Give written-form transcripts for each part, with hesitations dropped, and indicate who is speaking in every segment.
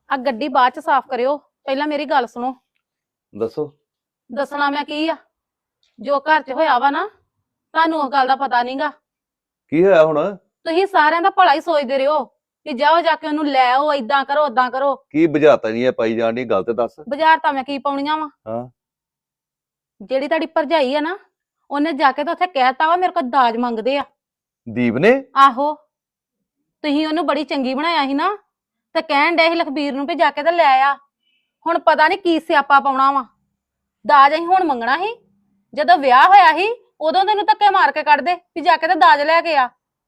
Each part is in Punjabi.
Speaker 1: ਆ ਗੱਡੀ ਬਾਅਦ ਚ ਸਾਫ਼ ਕਰਿਓ, ਪਹਿਲਾਂ ਮੇਰੀ ਗੱਲ ਸੁਣੋ।
Speaker 2: ਦੱਸੋ।
Speaker 1: ਦੱਸਣਾ ਮੈਂ ਕੀ ਆ, ਜੋ ਘਰ ਚ ਹੋਇਆ ਵਾ ਨਾ, ਤੁਹਾਨੂੰ ਉਹ ਗੱਲ ਦਾ ਪਤਾ ਨਹੀਂਗਾ।
Speaker 2: ਕੀ ਹੋਇਆ ਹੁਣ?
Speaker 1: ਤੁਸੀਂ ਸਾਰਿਆਂ ਦਾ ਭਲਾ ਹੀ ਸੋਚਦੇ ਰਹੋ ਕਿ ਜਾਓ ਜਾ ਕੇ ਉਹਨੂੰ ਲੈ ਆਓ, ਏਦਾਂ ਕਰੋ ਓਦਾਂ ਕਰੋ।
Speaker 2: ਕੀ ਬੁਝਾਰਤਾਂ ਨਹੀਂ ਪਾਈ ਜਾਣ ਦੀ, ਗੱਲ ਤੇ ਦੱਸ।
Speaker 1: ਬਾਜ਼ਾਰ ਤਾਂ ਮੈਂ ਕੀ ਪਾਉਣੀਆਂ ਵਾ?
Speaker 2: ਹਾਂ।
Speaker 1: ਜਿਹੜੀ ਤੁਹਾਡੀ ਭਰਜਾਈ ਆ ਨਾ, ਉਹਨੇ ਜਾ ਕੇ ਤਾਂ ਉੱਥੇ ਕਹਿਤਾ ਵਾ ਮੇਰੇ ਕੋਲ ਦਾਜ ਮੰਗਦੇ ਆ।
Speaker 2: ਦੀਪ ਨੇ?
Speaker 1: ਆਹੋ, ਤੁਸੀਂ ਉਹਨੂੰ ਬੜੀ ਚੰਗੀ ਬਣਾਇਆ ਸੀ ਨਾ, ਤੇ ਕਹਿਣ ਡਏ ਸੀ ਲਖਬੀਰ ਨੂੰ ਵੀ ਜਾ ਕੇ ਤੇ ਲੈ ਆ। ਹੁਣ ਪਤਾ ਨਹੀਂ ਕੀ ਸਿਆਪਾ ਪਾਉਣਾ ਵਾ। ਦਾਜ ਅਸੀਂ ਹੁਣ ਮੰਗਣਾ ਸੀ, ਜਦੋਂ ਵਿਆਹ ਹੋਇਆ ਸੀ ਉਦੋਂ ਤੈਨੂੰ ਧੱਕੇ ਮਾਰ ਕੇ ਕੱਢਦੇ ਵੀ ਜਾ ਕੇ ਤੇ ਦਾਜ ਲੈ ਕੇ ਆ।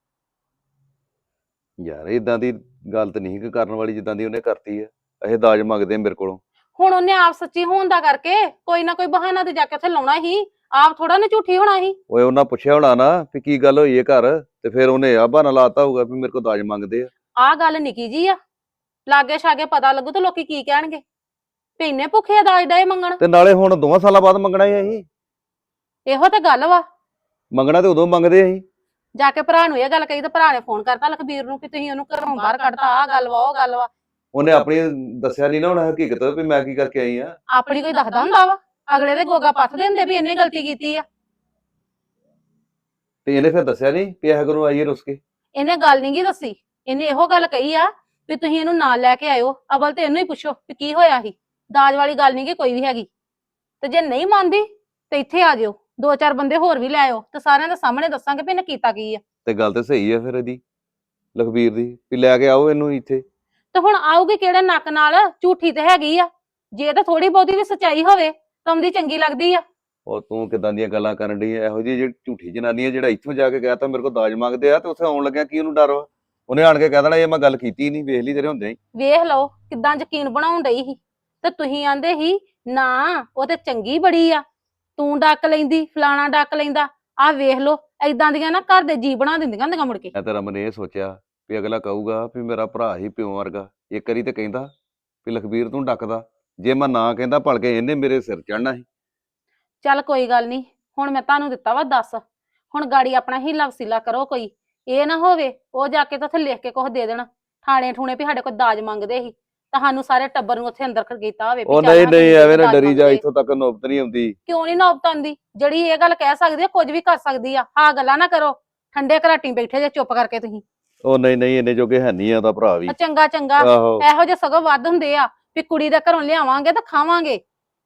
Speaker 2: ਯਾਰ ਇਦਾਂ ਦੀ ਗੱਲ ਤੇ ਨਹੀਂ ਕਰਨ ਵਾਲੀ ਜਿੱਦਾਂ ਦੀ ਉਹਨੇ ਕਰਤੀ ਹੈ। ਇਹ ਦਾਜ ਮੰਗਦੇ ਆ ਮੇਰੇ ਕੋਲੋਂ।
Speaker 1: ਹੁਣ ਉਹਨੇ ਆਪ ਸੱਚੀ ਹੋਣ ਦਾ ਕਰਕੇ ਕੋਈ ਨਾ ਕੋਈ ਬਹਾਨਾ ਤੇ ਜਾ ਕੇ ਉੱਥੇ ਲਾਉਣਾ ਸੀ, ਆਪ ਥੋੜਾ ਨਾ ਝੂਠੀ ਹੋਣਾ ਸੀ।
Speaker 2: ਓਏ ਉਹਨਾਂ ਪੁੱਛਿਆ ਹੋਣਾ ਨਾ ਵੀ ਕੀ ਗੱਲ ਹੋਈ ਹੈ ਘਰ, ਤੇ ਫਿਰ ਉਹਨੇ ਆ ਬਹਾਨਾ ਲਾਤਾ ਹੋਊਗਾ ਵੀ ਮੇਰੇ ਕੋਲ ਦਾਜ ਮੰਗਦੇ ਆ।
Speaker 1: ਆਹ ਗੱਲ ਨਿੱਕੀ ਜੀ ਆ, ਲਾਗੇ ਛਾਗੇ ਪਤਾ ਲੱਗੂ ਤੇ ਲੋਕੀ ਕੀ ਕਹਿਣਗੇ ਵੀ ਇੰਨੇ ਭੁੱਖੇ ਆ ਦਾਜ ਡਏ ਮੰਗਣ।
Speaker 2: ਤੇ ਨਾਲੇ ਹੁਣ 2 ਸਾਲਾਂ ਬਾਅਦ ਮੰਗਣਾ ਹੀ ਅਸੀਂ।
Speaker 1: ਇਹੋ ਤੇ ਗੱਲ ਵਾ।
Speaker 2: ਮੰਗਣਾ ਤੇ ਉਦੋਂ ਮੰਗਦੇ ਅਸੀਂ।
Speaker 1: ਜਾ ਕੇ ਭਰਾ ਨੂੰ ਇਹ ਗੱਲ ਕਹੀ ਤੇ ਭਰਾ ਨੇ ਫੋਨ ਕਰਤਾ ਲਖਬੀਰ ਨੂੰ ਕਿ ਤੁਸੀਂ ਉਹਨੂੰ ਘਰੋਂ ਬਾਹਰ ਕੱਢਤਾ, ਆਹ ਗੱਲ ਵਾ ਉਹ ਗੱਲ ਵਾ।
Speaker 2: ਉਹਨੇ ਆਪਣੀ ਦੱਸਿਆ ਨਹੀਂ ਨਾ ਹੁਣ ਹਕੀਕਤ ਵੀ ਮੈਂ ਕੀ ਕਰਕੇ ਆਈ ਆ।
Speaker 1: ਆਪਣੀ ਕੋਈ ਦੱਸਦਾ ਹੁੰਦਾ ਵਾ? ਅਗਲੇ ਦੇ ਗੋਗਾ ਪੱਥਦੇ ਹੁੰਦੇ ਵੀ ਇਹਨੇ ਗਲਤੀ ਕੀਤੀ ਆ।
Speaker 2: ਤੇ ਇਹਨੇ ਫਿਰ ਦੱਸਿਆ ਨਹੀਂ ਵੀ ਇਹ ਘਰੋਂ ਆਈ ਹੈ ਰੁੱਸ ਕੇ?
Speaker 1: ਇਹਨੇ ਗੱਲ ਨੀ ਗੀ ਦੱਸੀ, ਇਹਨੇ ਇਹੋ ਗੱਲ ਕਹੀ ਆ ਵੀ ਤੁਸੀਂ ਇਹਨੂੰ ਨਾਲ ਲੈ ਕੇ ਆਇਓ। ਅਵਲ ਤੇ ਇਹਨੂੰ ਹੀ ਪੁੱਛੋ ਵੀ ਕੀ ਹੋਇਆ ਸੀ। ਦਾਜ ਵਾਲੀ ਗੱਲ ਨੀ ਗੀ ਕੋਈ ਵੀ ਹੈਗੀ, ਤੇ ਜੇ ਨਹੀਂ ਮੰਨਦੀ ਤੇ ਇੱਥੇ ਆ ਜਿਓ, 2-4 ਬੰਦੇ ਹੋਰ ਵੀ ਲੈ ਆਇਓ ਤੇ ਸਾਰਿਆਂ ਦੇ ਸਾਹਮਣੇ ਦੱਸਾਂਗੇ ਵੀ ਇਹਨੇ ਕੀਤਾ ਕੀ ਆ।
Speaker 2: ਤੇ ਗੱਲ ਤੇ ਸਹੀ ਆ ਫਿਰ ਇਹਦੀ, ਲਖਬੀਰ ਦੀ, ਵੀ ਲੈ ਕੇ ਆਓ ਇਹਨੂੰ ਇੱਥੇ।
Speaker 1: ਤੇ ਹੁਣ ਆਊਗੀ ਕਿਹੜੇ ਨੱਕ ਨਾਲ? ਝੂਠੀ ਤੇ ਹੈਗੀ ਆ, ਜੇ ਤਾਂ ਥੋੜੀ ਬਹੁਤੀ ਵੀ ਸੱਚਾਈ ਹੋਵੇ ਤਾਂ ਉਹਦੀ ਚੰਗੀ ਲੱਗਦੀ ਆ।
Speaker 2: ਉਹ ਤੂੰ ਕਿਦਾਂ ਦੀਆਂ ਗੱਲਾਂ ਕਰਨ ਡਈ ਐ? ਇਹੋ ਜਿਹੀ ਜਿਹੜੀ ਝੂਠੀ ਜਨਾਨੀ ਹੈ ਜਿਹੜਾ ਇੱਥੋਂ ਜਾ ਕੇ ਕਹਿ ਤਾ ਮੇਰੇ ਕੋਲ ਦਾਜ ਮੰਗਦੇ ਆ, ਤੇ ਉੱਥੇ ਆਉਣ ਲੱਗਿਆ ਕੀ ਉਹਨੂੰ ਡਰ ਵਾ? ਉਹਨੇ ਆਣ ਕੇ ਕਹਿ ਦੇਣਾ ਇਹ ਮੈਂ ਗੱਲ ਕੀਤੀ ਨਹੀਂ, ਵੇਖ ਲਈ ਤੇਰੇ ਹੁੰਦੇ ਹੀ।
Speaker 1: ਵੇਖ ਲਓ ਕਿੱਦਾਂ ਯਕੀਨ ਬਣਾਉਣ ਡਈ ਸੀ, ਤੇ ਤੁਸੀਂ ਆਂਦੇ ਸੀ ਨਾ ਉਹ ਤੇ ਚੰਗੀ ਬੜੀ ਆ, ਤੂੰ ਡੱਕ ਲੈਂਦੀ, ਫਲਾਣਾ ਡੱਕ ਲੈਂਦਾ। ਆਹ ਵੇਖ ਲਓ ਏਦਾਂ ਦੀਆਂ ਨਾ ਘਰ ਦੇ ਜੀ ਬਣਾ ਦਿੰਦੀਆਂ ਹੁੰਦੀਆਂ ਮੁੜ ਕੇ।
Speaker 2: ਮੈਂ ਤਾਂ ਰਮਨ ਇਹ ਸੋਚਿਆ ਵੀ ਅਗਲਾ ਕਹੂਗਾ ਵੀ ਮੇਰਾ ਭਰਾ ਹੀ ਪਿਓ ਵਰਗਾ, ਇੱਕ ਵਾਰੀ ਤੇ ਕਹਿੰਦਾ ਵੀ ਲਖਬੀਰ ਤੂੰ ਡੱਕਦਾ, ਜੇ ਮੈਂ ਨਾ ਕਹਿੰਦਾ ਭਲਕੇ ਇਹਨੇ ਮੇਰੇ ਸਿਰ ਚੜਨਾ ਸੀ।
Speaker 1: ਚੱਲ ਕੋਈ ਗੱਲ ਨਹੀਂ, ਹੁਣ ਮੈਂ ਤੁਹਾਨੂੰ ਦਿੱਤਾ ਵਾ ਦੱਸ, ਹੁਣ ਗਾੜੀ ਆਪਣਾ ਹੀਲਾ ਵਸੀਲਾ ਕਰੋ ਕੋਈ। ਇਹ ਨਾ ਹੋਵੇ ਉਹ ਜਾ ਕੇ ਤਾਂ ਉੱਥੇ ਲਿਖ ਕੇ ਕੁਝ ਦੇ ਦੇਣ ਥਾਣੇ ਠੂਣੇ ਵੀ ਸਾਡੇ ਕੋਲ ਦਾਜ ਮੰਗਦੇ ਸੀ, ਤੁਹਾਨੂੰ ਸਾਰੇ ਟੱਬਰ ਨੂੰ ਉੱਥੇ ਅੰਦਰ ਕੀਤਾ ਹੋਵੇ।
Speaker 2: ਉਹ ਨਹੀਂ ਨਹੀਂ ਐਵੇਂ ਨਾ ਡਰੀ ਜਾ, ਇੱਥੋਂ ਤੱਕ ਨੌਬਤ ਨਹੀਂ ਆਉਂਦੀ।
Speaker 1: ਕਿਉਂ ਨਹੀਂ ਨੌਬਤ ਆਉਂਦੀ? ਜਿਹੜੀ ਇਹ ਗੱਲ ਕਹਿ ਸਕਦੀ ਆ ਕੁਝ ਵੀ ਕਰ ਸਕਦੀ ਆ। ਆਹ ਗੱਲਾਂ ਨਾ ਕਰੋ, ਠੰਡੇ ਘਰਾਟੀ ਬੈਠੇ ਜੇ ਚੁੱਪ ਕਰਕੇ ਤੁਸੀਂ।
Speaker 2: ਉਹ ਨਹੀਂ ਨਹੀਂ ਇੰਨੇ ਜੋਗੇ ਹੈ ਨਹੀਂ ਆ ਉਹਦਾ ਭਰਾ ਵੀ।
Speaker 1: ਚੰਗਾ ਚੰਗਾ,
Speaker 2: ਆਹੋ
Speaker 1: ਇਹੋ ਜਿਹੇ ਸਗੋਂ ਵੱਧ ਹੁੰਦੇ ਆ ਵੀ ਕੁੜੀ ਦੇ ਘਰੋਂ ਲਿਆਵਾਂਗੇ ਤਾਂ ਖਾਵਾਂਗੇ।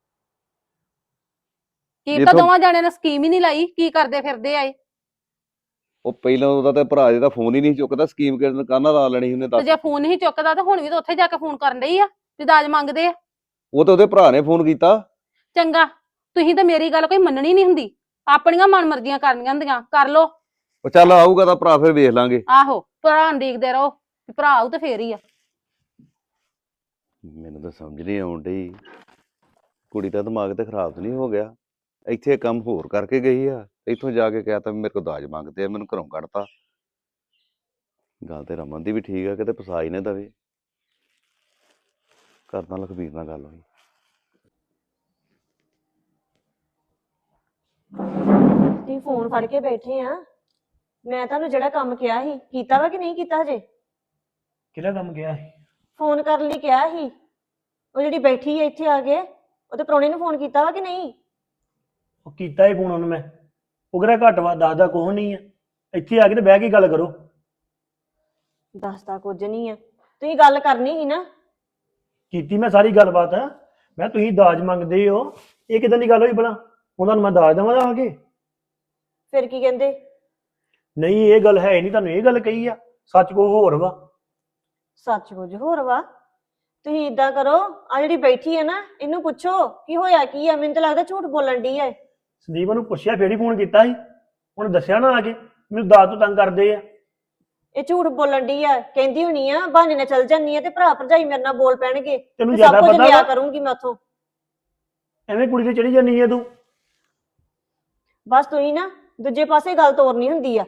Speaker 1: ਕੀ ਤਾਂ ਦੋਵਾਂ ਜਾਣਿਆਂ ਨੇ ਸਕੀਮ ਹੀ ਨਹੀਂ ਲਾਈ, ਕੀ ਕਰਦੇ ਫਿਰਦੇ ਆ ਇਹ?
Speaker 2: ਉਹ ਪਹਿਲਾਂ ਉਹਦਾ ਤੇ ਭਰਾ ਜਿਹਦਾ ਫੋਨ ਹੀ ਨਹੀਂ ਚੁੱਕਦਾ, ਸਕੀਮ ਕਿਹਨਾਂ ਕਾਹਨਾਂ ਲਾ ਲੈਣੀ ਉਹਨੇ
Speaker 1: ਤੇ
Speaker 2: ਦੱਸ।
Speaker 1: ਜੇ ਫੋਨ ਨਹੀਂ ਚੁੱਕਦਾ ਤਾਂ ਹੁਣ ਵੀ ਤਾਂ ਉੱਥੇ ਜਾ ਕੇ ਫੋਨ ਕਰਨ ਡਈ ਆ ਵੀ ਦਾਜ ਮੰਗਦੇ ਆ।
Speaker 2: ਉਹ ਤਾਂ ਉਹਦੇ ਭਰਾ ਨੇ ਫੋਨ ਕੀਤਾ।
Speaker 1: ਚੰਗਾ, ਤੁਸੀਂ ਤਾਂ ਮੇਰੀ ਗੱਲ ਕੋਈ ਮੰਨਣੀ ਨਹੀਂ ਹੁੰਦੀ, ਆਪਣੀਆਂ ਮਨਮਰਜ਼ੀਆਂ ਕਰਨੀਆਂ ਹੁੰਦੀਆਂ, ਕਰ ਲੋ।
Speaker 2: ਉਹ ਚੱਲ ਆਊਗਾ ਤਾਂ ਭਰਾ ਫਿਰ ਵੇਖ ਲਾਂਗੇ।
Speaker 1: ਆਹੋ, ਭਰਾ ਨੂੰ ਦੇਖਦੇ ਰਹੋ, ਭਰਾ ਆਊ ਤੇ ਫੇਰ ਹੀ ਆ।
Speaker 2: ਮੈਨੂੰ ਤਾਂ ਸਮਝ ਨਹੀਂ ਆਉਣ ਡਈ, ਕੁੜੀ ਦਾ ਦਿਮਾਗ ਤੇ ਖਰਾਬ ਤਾਂ ਨਹੀਂ ਹੋ ਗਿਆ? ਇੱਥੇ ਕੰਮ ਹੋਰ ਕਰਕੇ ਗਈ ਆ, ਇੱਥੋਂ ਜਾ ਕੇ ਕਹਿ ਤਾ ਮੇਰੇ ਕੋਲ ਦਾਜ ਮੰਗਦੇ ਆ, ਮੈਨੂੰ ਘਰੋਂ ਕੱਢਤਾ। ਗੱਲ ਤੇ ਰਮਨ ਦੀ ਵੀ ਠੀਕ ਆ, ਕਿਤੇ ਫਸਾ ਹੀ ਨਾ ਦਵੇ। ਕਰਦਾ ਲਖਬੀਰ ਨਾਲ ਗੱਲ ਹੋਈ।
Speaker 3: ਤੁਸੀਂ ਫੋਨ ਫੜ ਕੇ ਬੈਠੇ ਆ, ਮੈਂ ਤੁਹਾਨੂੰ ਜਿਹੜਾ ਕੰਮ ਕਿਹਾ ਸੀ ਕੀਤਾ ਵਾ ਕਿ ਨਹੀਂ ਕੀਤਾ ਹਜੇ?
Speaker 4: ਕਿਹੜਾ ਕੰਮ ਗਿਆ ਸੀ?
Speaker 3: ਫੋਨ ਕਰਨ ਲਈ ਕਿਹਾ ਸੀ, ਉਹ ਜਿਹੜੀ ਬੈਠੀ ਹੈ ਇੱਥੇ ਆ ਕੇ, ਉਹਦੇ ਪ੍ਰਾਹੁਣੇ ਨੂੰ ਫੋਨ ਕੀਤਾ ਵਾ ਕਿ ਨਹੀਂ?
Speaker 4: ਉਹ ਕੀਤਾ ਹੀ ਫੋਨ ਉਹਨੂੰ ਮੈਂ, ਉਹ ਕਿਹੜਾ ਘੱਟ ਵਾ, ਦੱਸਦਾ ਕੁਛ ਨਹੀਂ ਆ। ਇੱਥੇ ਆ ਕੇ ਤੇ ਬਹਿ ਕੇ ਗੱਲ ਕਰੋ।
Speaker 3: ਦੱਸਦਾ ਕੁਝ ਨਹੀਂ ਆ, ਤੁਸੀਂ ਗੱਲ ਕਰਨੀ ਸੀ ਨਾ।
Speaker 4: ਕੀਤੀ ਮੈਂ ਸਾਰੀ ਗੱਲਬਾਤ, ਮੈਂ ਤੁਸੀਂ ਦਾਜ ਮੰਗਦੇ ਹੋ, ਇਹ ਕਿਦਾਂ ਦੀ ਗੱਲ ਹੋਈ ਭਲਾ? ਉਹਨਾਂ ਨੂੰ ਮੈਂ ਦਾਜ ਦੇਵਾਂ ਆ ਕੇ?
Speaker 3: ਫਿਰ ਕੀ ਕਹਿੰਦੇ?
Speaker 4: ਨਹੀਂ ਇਹ ਗੱਲ ਹੈ ਨਹੀਂ, ਤੁਹਾਨੂੰ ਇਹ ਗੱਲ ਕਹੀ ਆ, ਸੱਚ ਕੋ ਹੋਰ ਵਾ।
Speaker 3: ਸੱਚ ਕੁਝ ਹੋਰ ਵਾ। ਤੁਸੀਂ ਇਦਾਂ ਕਰੋ, ਆ ਜਿਹੜੀ ਬੈਠੀ ਹੈ ਨਾ ਇਹਨੂੰ ਪੁੱਛੋ ਕੀ ਹੋਇਆ ਕੀ ਆ, ਮੈਨੂੰ ਤਾਂ ਲੱਗਦਾ ਝੂਠ ਬੋਲਣ ਡਈ ਆ।
Speaker 4: ਸੰਦੀਪ ਨੂੰ ਪੁੱਛਿਆ ਫੇਰ ਹੀ ਫੋਨ ਕੀਤਾ ਸੀ, ਉਹਨੇ ਦੱਸਿਆ ਨਾ ਆ ਕੇ ਮੈਨੂੰ ਦਾਜ ਤੋਂ ਤੰਗ ਕਰਦੇ ਆ।
Speaker 3: ਇਹ ਝੂਠ ਬੋਲਣ ਡਈ ਆ, ਕਹਿੰਦੀ ਹੋਣੀ ਆ ਬਹਾਨੇ ਨਾਲ ਚੱਲ ਜਾਨੀ ਆ ਤੇ ਭਰਾ ਭਰਜਾਈ ਮੇਰੇ ਨਾਲ ਬੋਲ ਪੈਣਗੇ,
Speaker 4: ਤੈਨੂੰ
Speaker 3: ਸਭ
Speaker 4: ਜ਼ਿਆਦਾ
Speaker 3: ਕੁਝ
Speaker 4: ਪਤਾ
Speaker 3: ਲਿਆ
Speaker 4: ਵਾ?
Speaker 3: ਕਰੂੰਗੀ ਮੈਂ ਉੱਥੋਂ।
Speaker 4: ਐਵੇਂ ਕੁੜੀ ਤੇ ਚੜੀ ਜਾਨੀ ਆ ਤੂੰ।
Speaker 3: ਬਸ ਤੁਸੀਂ ਨਾ ਦੂਜੇ ਪਾਸੇ ਗੱਲ ਤੋਰਨੀ ਹੁੰਦੀ ਆ।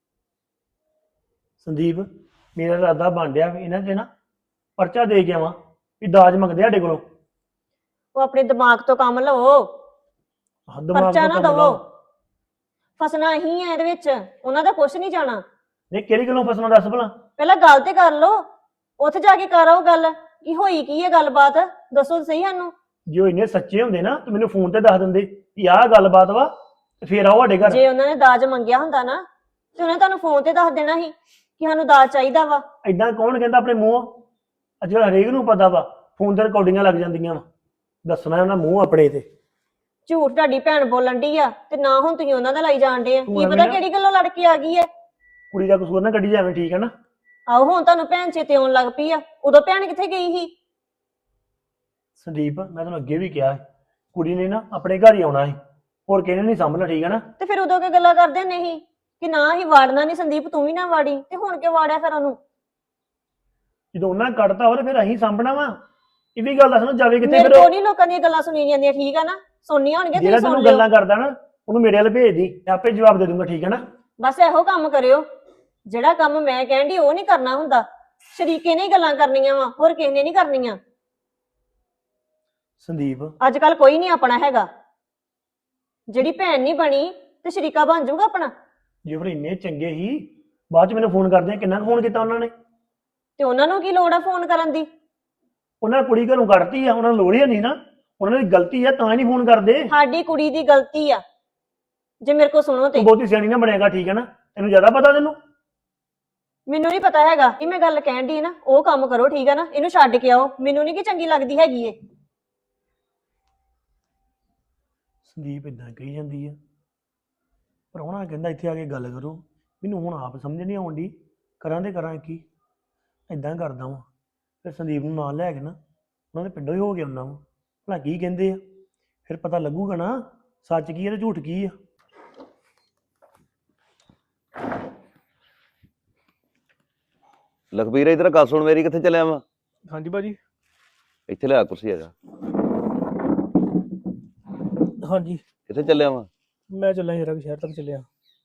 Speaker 4: ਸੰਦੀਪ ਮੇਰਾ ਇਰਾਦਾ ਬਣ ਡਿਆ ਵੀ ਇਹਨਾਂ ਤੇ ਨਾ ਪਰਚਾ ਦੇ ਕੇ ਆਵਾਂ ਵੀ ਦਾਜ ਮੰਗਦੇ ਸਾਡੇ ਕੋਲੋਂ।
Speaker 3: ਉਹ ਆਪਣੇ ਦਿਮਾਗ ਤੋਂ ਕੰਮ ਲਵੋ,
Speaker 4: ਦਿਮਾਗ
Speaker 3: ਪਰਚਾ
Speaker 4: ਤੋਂ
Speaker 3: ਨਾ
Speaker 4: ਕੰਮ
Speaker 3: ਦਵੋ।
Speaker 4: ਲਾਓ।
Speaker 3: ਫਸਣਾ ਹੀ ਹੈ ਇਹਦੇ ਵਿੱਚ, ਉਹਨਾਂ ਦਾ ਕੁਛ ਨਹੀਂ ਜਾਣਾ।
Speaker 4: ਨਹੀਂ ਕਿਹੜੀ ਗੱਲੋਂ ਫਸਣਾ ਦੱਸ ਭਲਾ?
Speaker 3: ਪਹਿਲਾਂ ਗੱਲ ਤੇ ਕਰ ਲਓ, ਉੱਥੇ ਜਾ ਕੇ ਕਰ ਆਓ ਗੱਲ ਕੀ ਹੋਈ ਕੀ ਹੈ ਗੱਲਬਾਤ? ਦੱਸੋ ਤਾਂ ਸਹੀ ਸਾਨੂੰ।
Speaker 4: ਜੇ ਉਹ ਇੰਨੇ ਸੱਚੇ ਹੁੰਦੇ ਨਾ ਤੇ ਮੈਨੂੰ ਫੋਨ ਤੇ ਦੱਸ ਦਿੰਦੇ ਵੀ ਆਹ ਗੱਲਬਾਤ ਵਾ ਤੇ ਫੇਰ ਆਓ ਸਾਡੇ ਘਰ।
Speaker 3: ਜੇ ਉਹਨਾਂ ਨੇ ਦਾਜ ਮੰਗਿਆ ਹੁੰਦਾ ਨਾ ਤੇ ਉਹਨੇ ਤੁਹਾਨੂੰ ਫੋਨ ਤੇ ਦੱਸ ਦੇਣਾ ਸੀ ਕਿ ਸਾਨੂੰ ਦਾਜ ਚਾਹੀਦਾ ਵਾ।
Speaker 4: ਏਦਾਂ ਕੌਣ ਕਹਿੰਦਾ ਆਪਣੇ ਮੂੰਹ? ਅੱਜ ਕੱਲ੍ਹ ਹਰੇਕ ਨੂੰ ਪਤਾ ਵਾ, ਫੋਨ ਤੇ ਰਿਕਾਰਡਿੰਗਾਂ ਲੱਗ ਜਾਂਦੀਆਂ ਵਾ। ਦੱਸਣਾ ਉਹਨਾਂ ਮੂੰਹ ਆਪਣੇ ਤੇ।
Speaker 3: ਝੂਠ ਤੁਹਾਡੀ ਭੈਣ ਬੋਲਣ ਡਈ ਆ ਤੇ ਨਾ ਹੁਣ ਤੁਸੀਂ ਉਹਨਾਂ ਦਾ ਲਾਈ ਜਾਣਦੇ ਆ।
Speaker 4: ਤੂੰ
Speaker 3: ਕੀ
Speaker 4: ਐਵੇਂ
Speaker 3: ਪਤਾ
Speaker 4: ਨਾ-
Speaker 3: ਕਿਹੜੀ ਗੱਲੋਂ ਲੜ ਕੇ ਆ ਗਈ ਹੈ।
Speaker 4: ਕੁੜੀ ਦਾ ਕਸੂਰ ਨਾ ਕੱਢੀ ਜਾਵੇਂ, ਠੀਕ ਹੈ ਨਾ?
Speaker 3: ਆਹੋ ਹੁਣ ਤੁਹਾਨੂੰ ਭੈਣ ਚੇਤੇ ਆਉਣ ਲੱਗ ਪਈ ਆ। ਉਦੋਂ ਭੈਣ ਕਿੱਥੇ ਗਈ ਸੀ?
Speaker 4: ਸੰਦੀਪ, ਮੈਂ ਤੁਹਾਨੂੰ ਅੱਗੇ ਵੀ ਕਿਹਾ ਸੀ, ਕੁੜੀ ਨੇ ਨਾ ਆਪਣੇ ਘਰ ਹੀ ਆਉਣਾ ਸੀ, ਹੋਰ ਕਿਸੇ ਨੇ ਨਹੀਂ ਸਾਂਭਣਾ, ਠੀਕ ਹੈ ਨਾ?
Speaker 3: ਤੇ ਫਿਰ ਉਦੋਂ ਕੀ ਗੱਲਾਂ ਕਰਦੇ ਨਹੀਂ ਕਿ ਨਾ ਹੀ ਵਾੜਨਾ ਨਹੀਂ, ਸੰਦੀਪ ਤੂੰ ਵੀ ਨਾ ਵਾੜੀ, ਤੇ ਹੁਣ ਕਿਉਂ ਵਾੜਿਆ ਫਿਰ ਉਹਨੂੰ?
Speaker 4: ਜਦੋਂ ਉਹਨਾਂ ਕੱਢਤਾ ਹੋਵੇ ਫਿਰ ਅਸੀਂ ਸਾਂਭਣਾ ਵਾ। ਇਹ ਵੀ ਗੱਲ ਦੱਸਣਾ ਜਾਵੇ ਕਿੱਥੇ
Speaker 3: ਮੇਰੇ
Speaker 4: ਫਿਰ?
Speaker 3: ਕੋਲ ਨਹੀਂ ਲੋਕਾਂ ਦੀਆਂ ਗੱਲਾਂ ਸੁਣੀ ਜਾਂਦੀਆਂ, ਠੀਕ ਆ ਨਾ? ਸੁਣਨੀਆਂ ਹੋਣਗੀਆਂ
Speaker 4: ਜਿਹੜਾ
Speaker 3: ਤੁਸੀਂ ਸੁਣ
Speaker 4: ਤੈਨੂੰ
Speaker 3: ਲਿਓ।
Speaker 4: ਗੱਲਾਂ ਕਰਦਾ ਨਾ ਉਹਨੂੰ ਮੇਰੇ ਵੱਲ ਭੇਜ ਦੀ, ਮੈਂ ਆਪੇ ਜਵਾਬ ਦੇ ਦੂੰਗਾ, ਠੀਕ ਹੈ ਨਾ?
Speaker 3: ਬਸ ਇਹੋ ਕੰਮ ਕਰਿਓ। ਜਿਹੜਾ ਕੰਮ ਮੈਂ ਕਹਿੰਦੀ ਉਹ ਨਹੀਂ ਕਰਨਾ ਹੁੰਦਾ। ਸ਼ਰੀਕੇ ਨੇ ਹੀ ਗੱਲਾਂ ਕਰਨੀਆਂ ਵਾ, ਹੋਰ ਕਿਸੇ ਨੇ ਨਹੀਂ ਕਰਨੀਆਂ।
Speaker 4: ਸੰਦੀਪ,
Speaker 3: ਅੱਜ ਕੱਲ ਕੋਈ ਨਹੀਂ ਆਪਣਾ ਹੈਗਾ। ਜਿਹੜੀ ਭੈਣ ਨਹੀਂ ਬਣੀ ਤੇ ਸ਼ਰੀਕਾ ਬਣ ਜਾਊਗਾ ਆਪਣਾ।
Speaker 4: ਜੇ ਫਿਰ ਇੰਨੇ ਚੰਗੇ ਹੀ ਬਾਅਦ ਚ ਮੈਨੂੰ ਫੋਨ ਕਰਦੇ ਆ, ਕਿੰਨਾ ਫੋਨ ਕੀਤਾ ਉਹਨਾਂ ਨੇ?
Speaker 3: ਤੇ ਉਹਨਾਂ ਨੂੰ ਕੀ ਲੋੜ ਆ ਫੋਨ ਕਰਨ ਦੀ?
Speaker 4: ਉਹਨਾਂ ਨੇ ਕੁੜੀ ਘਰੋਂ ਕੱਢਤੀ ਆ, ਉਹਨਾਂ ਨੂੰ ਲੋੜ ਹੀ ਨਹੀਂ ਨਾ। ਉਹਨਾਂ ਦੀ ਗਲਤੀ ਆ ਤਾਂ ਹੀ ਨਹੀਂ ਫੋਨ ਕਰਦੇ।
Speaker 3: ਸਾਡੀ ਕੁੜੀ ਦੀ ਗਲਤੀ ਆ ਜੇ ਮੇਰੇ ਕੋ ਸੁਣੋ ਤੇ।
Speaker 4: ਤੂੰ ਬਹੁਤੀ ਸਿਆਣੀ ਨਾ ਬਣੇਗਾ, ਠੀਕ ਹੈ ਨਾ? ਤੈਨੂੰ ਜ਼ਿਆਦਾ ਪਤਾ ਤੈਨੂੰ।
Speaker 3: ਮੈਨੂੰ ਨਹੀਂ ਪਤਾ ਹੈਗਾ ਕਿ ਮੈਂ ਗੱਲ ਕਹਿਣ ਦੀ ਨਾ, ਉਹ ਕੰਮ ਕਰੋ, ਠੀਕ ਆ ਨਾ? ਇਹਨੂੰ ਛੱਡ ਕੇ ਆਓ, ਮੈਨੂੰ ਨਹੀਂ ਕਿ ਚੰਗੀ ਲੱਗਦੀ ਹੈਗੀ ਏ।
Speaker 4: ਸੰਦੀਪ ਇਦਾਂ ਕਹੀ ਜਾਂਦੀ ਆ, ਪ੍ਰਾਹੁਣਾ ਕਹਿੰਦਾ ਇੱਥੇ ਆ ਕੇ ਗੱਲ ਕਰੋ। ਮੈਨੂੰ ਹੁਣ ਆਪ ਸਮਝ ਨਹੀਂ ਆਉਂਦੀ, ਕਰਾਂ ਤੇ ਕਰਾਂ ਕੀ। ਇਦਾਂ ਕਰਦਾ ਵਾਂ, ਫਿਰ ਸੰਦੀਪ ਨੂੰ ਨਾਲ ਲੈ ਕੇ ਨਾ ਉਹਨਾਂ ਦੇ ਪਿੰਡੋਂ ਹੀ ਹੋ ਕੇ ਆਉਣਾ ਵਾ, ਭਲਾ ਕੀ ਕਹਿੰਦੇ ਆ, ਫਿਰ ਪਤਾ ਲੱਗੂਗਾ ਨਾ ਸੱਚ ਕੀ ਹੈ ਤੇ ਝੂਠ ਕੀ ਆ।
Speaker 2: ਲਖਬੀਰ ਇਧਰ ਗੱਲ ਸੁਣ ਮੇਰੀ, ਕਿੱਥੇ ਚੱਲਿਆ ਵਾ?
Speaker 5: ਹਾਂਜੀ ਭਾਜੀ।
Speaker 2: ਇੱਥੇ ਲਿਆ ਕੁਰਸੀ, ਆ ਜਾ।
Speaker 5: ਹਾਂਜੀ
Speaker 2: ਕਿੱਥੇ ਚੱਲਿਆ ਵਾ?
Speaker 5: ਮੈਂ ਚੱਲਾਂ ਜਰਾ ਸ਼ਹਿਰ ਤੱਕ ਚੱਲਿਆ।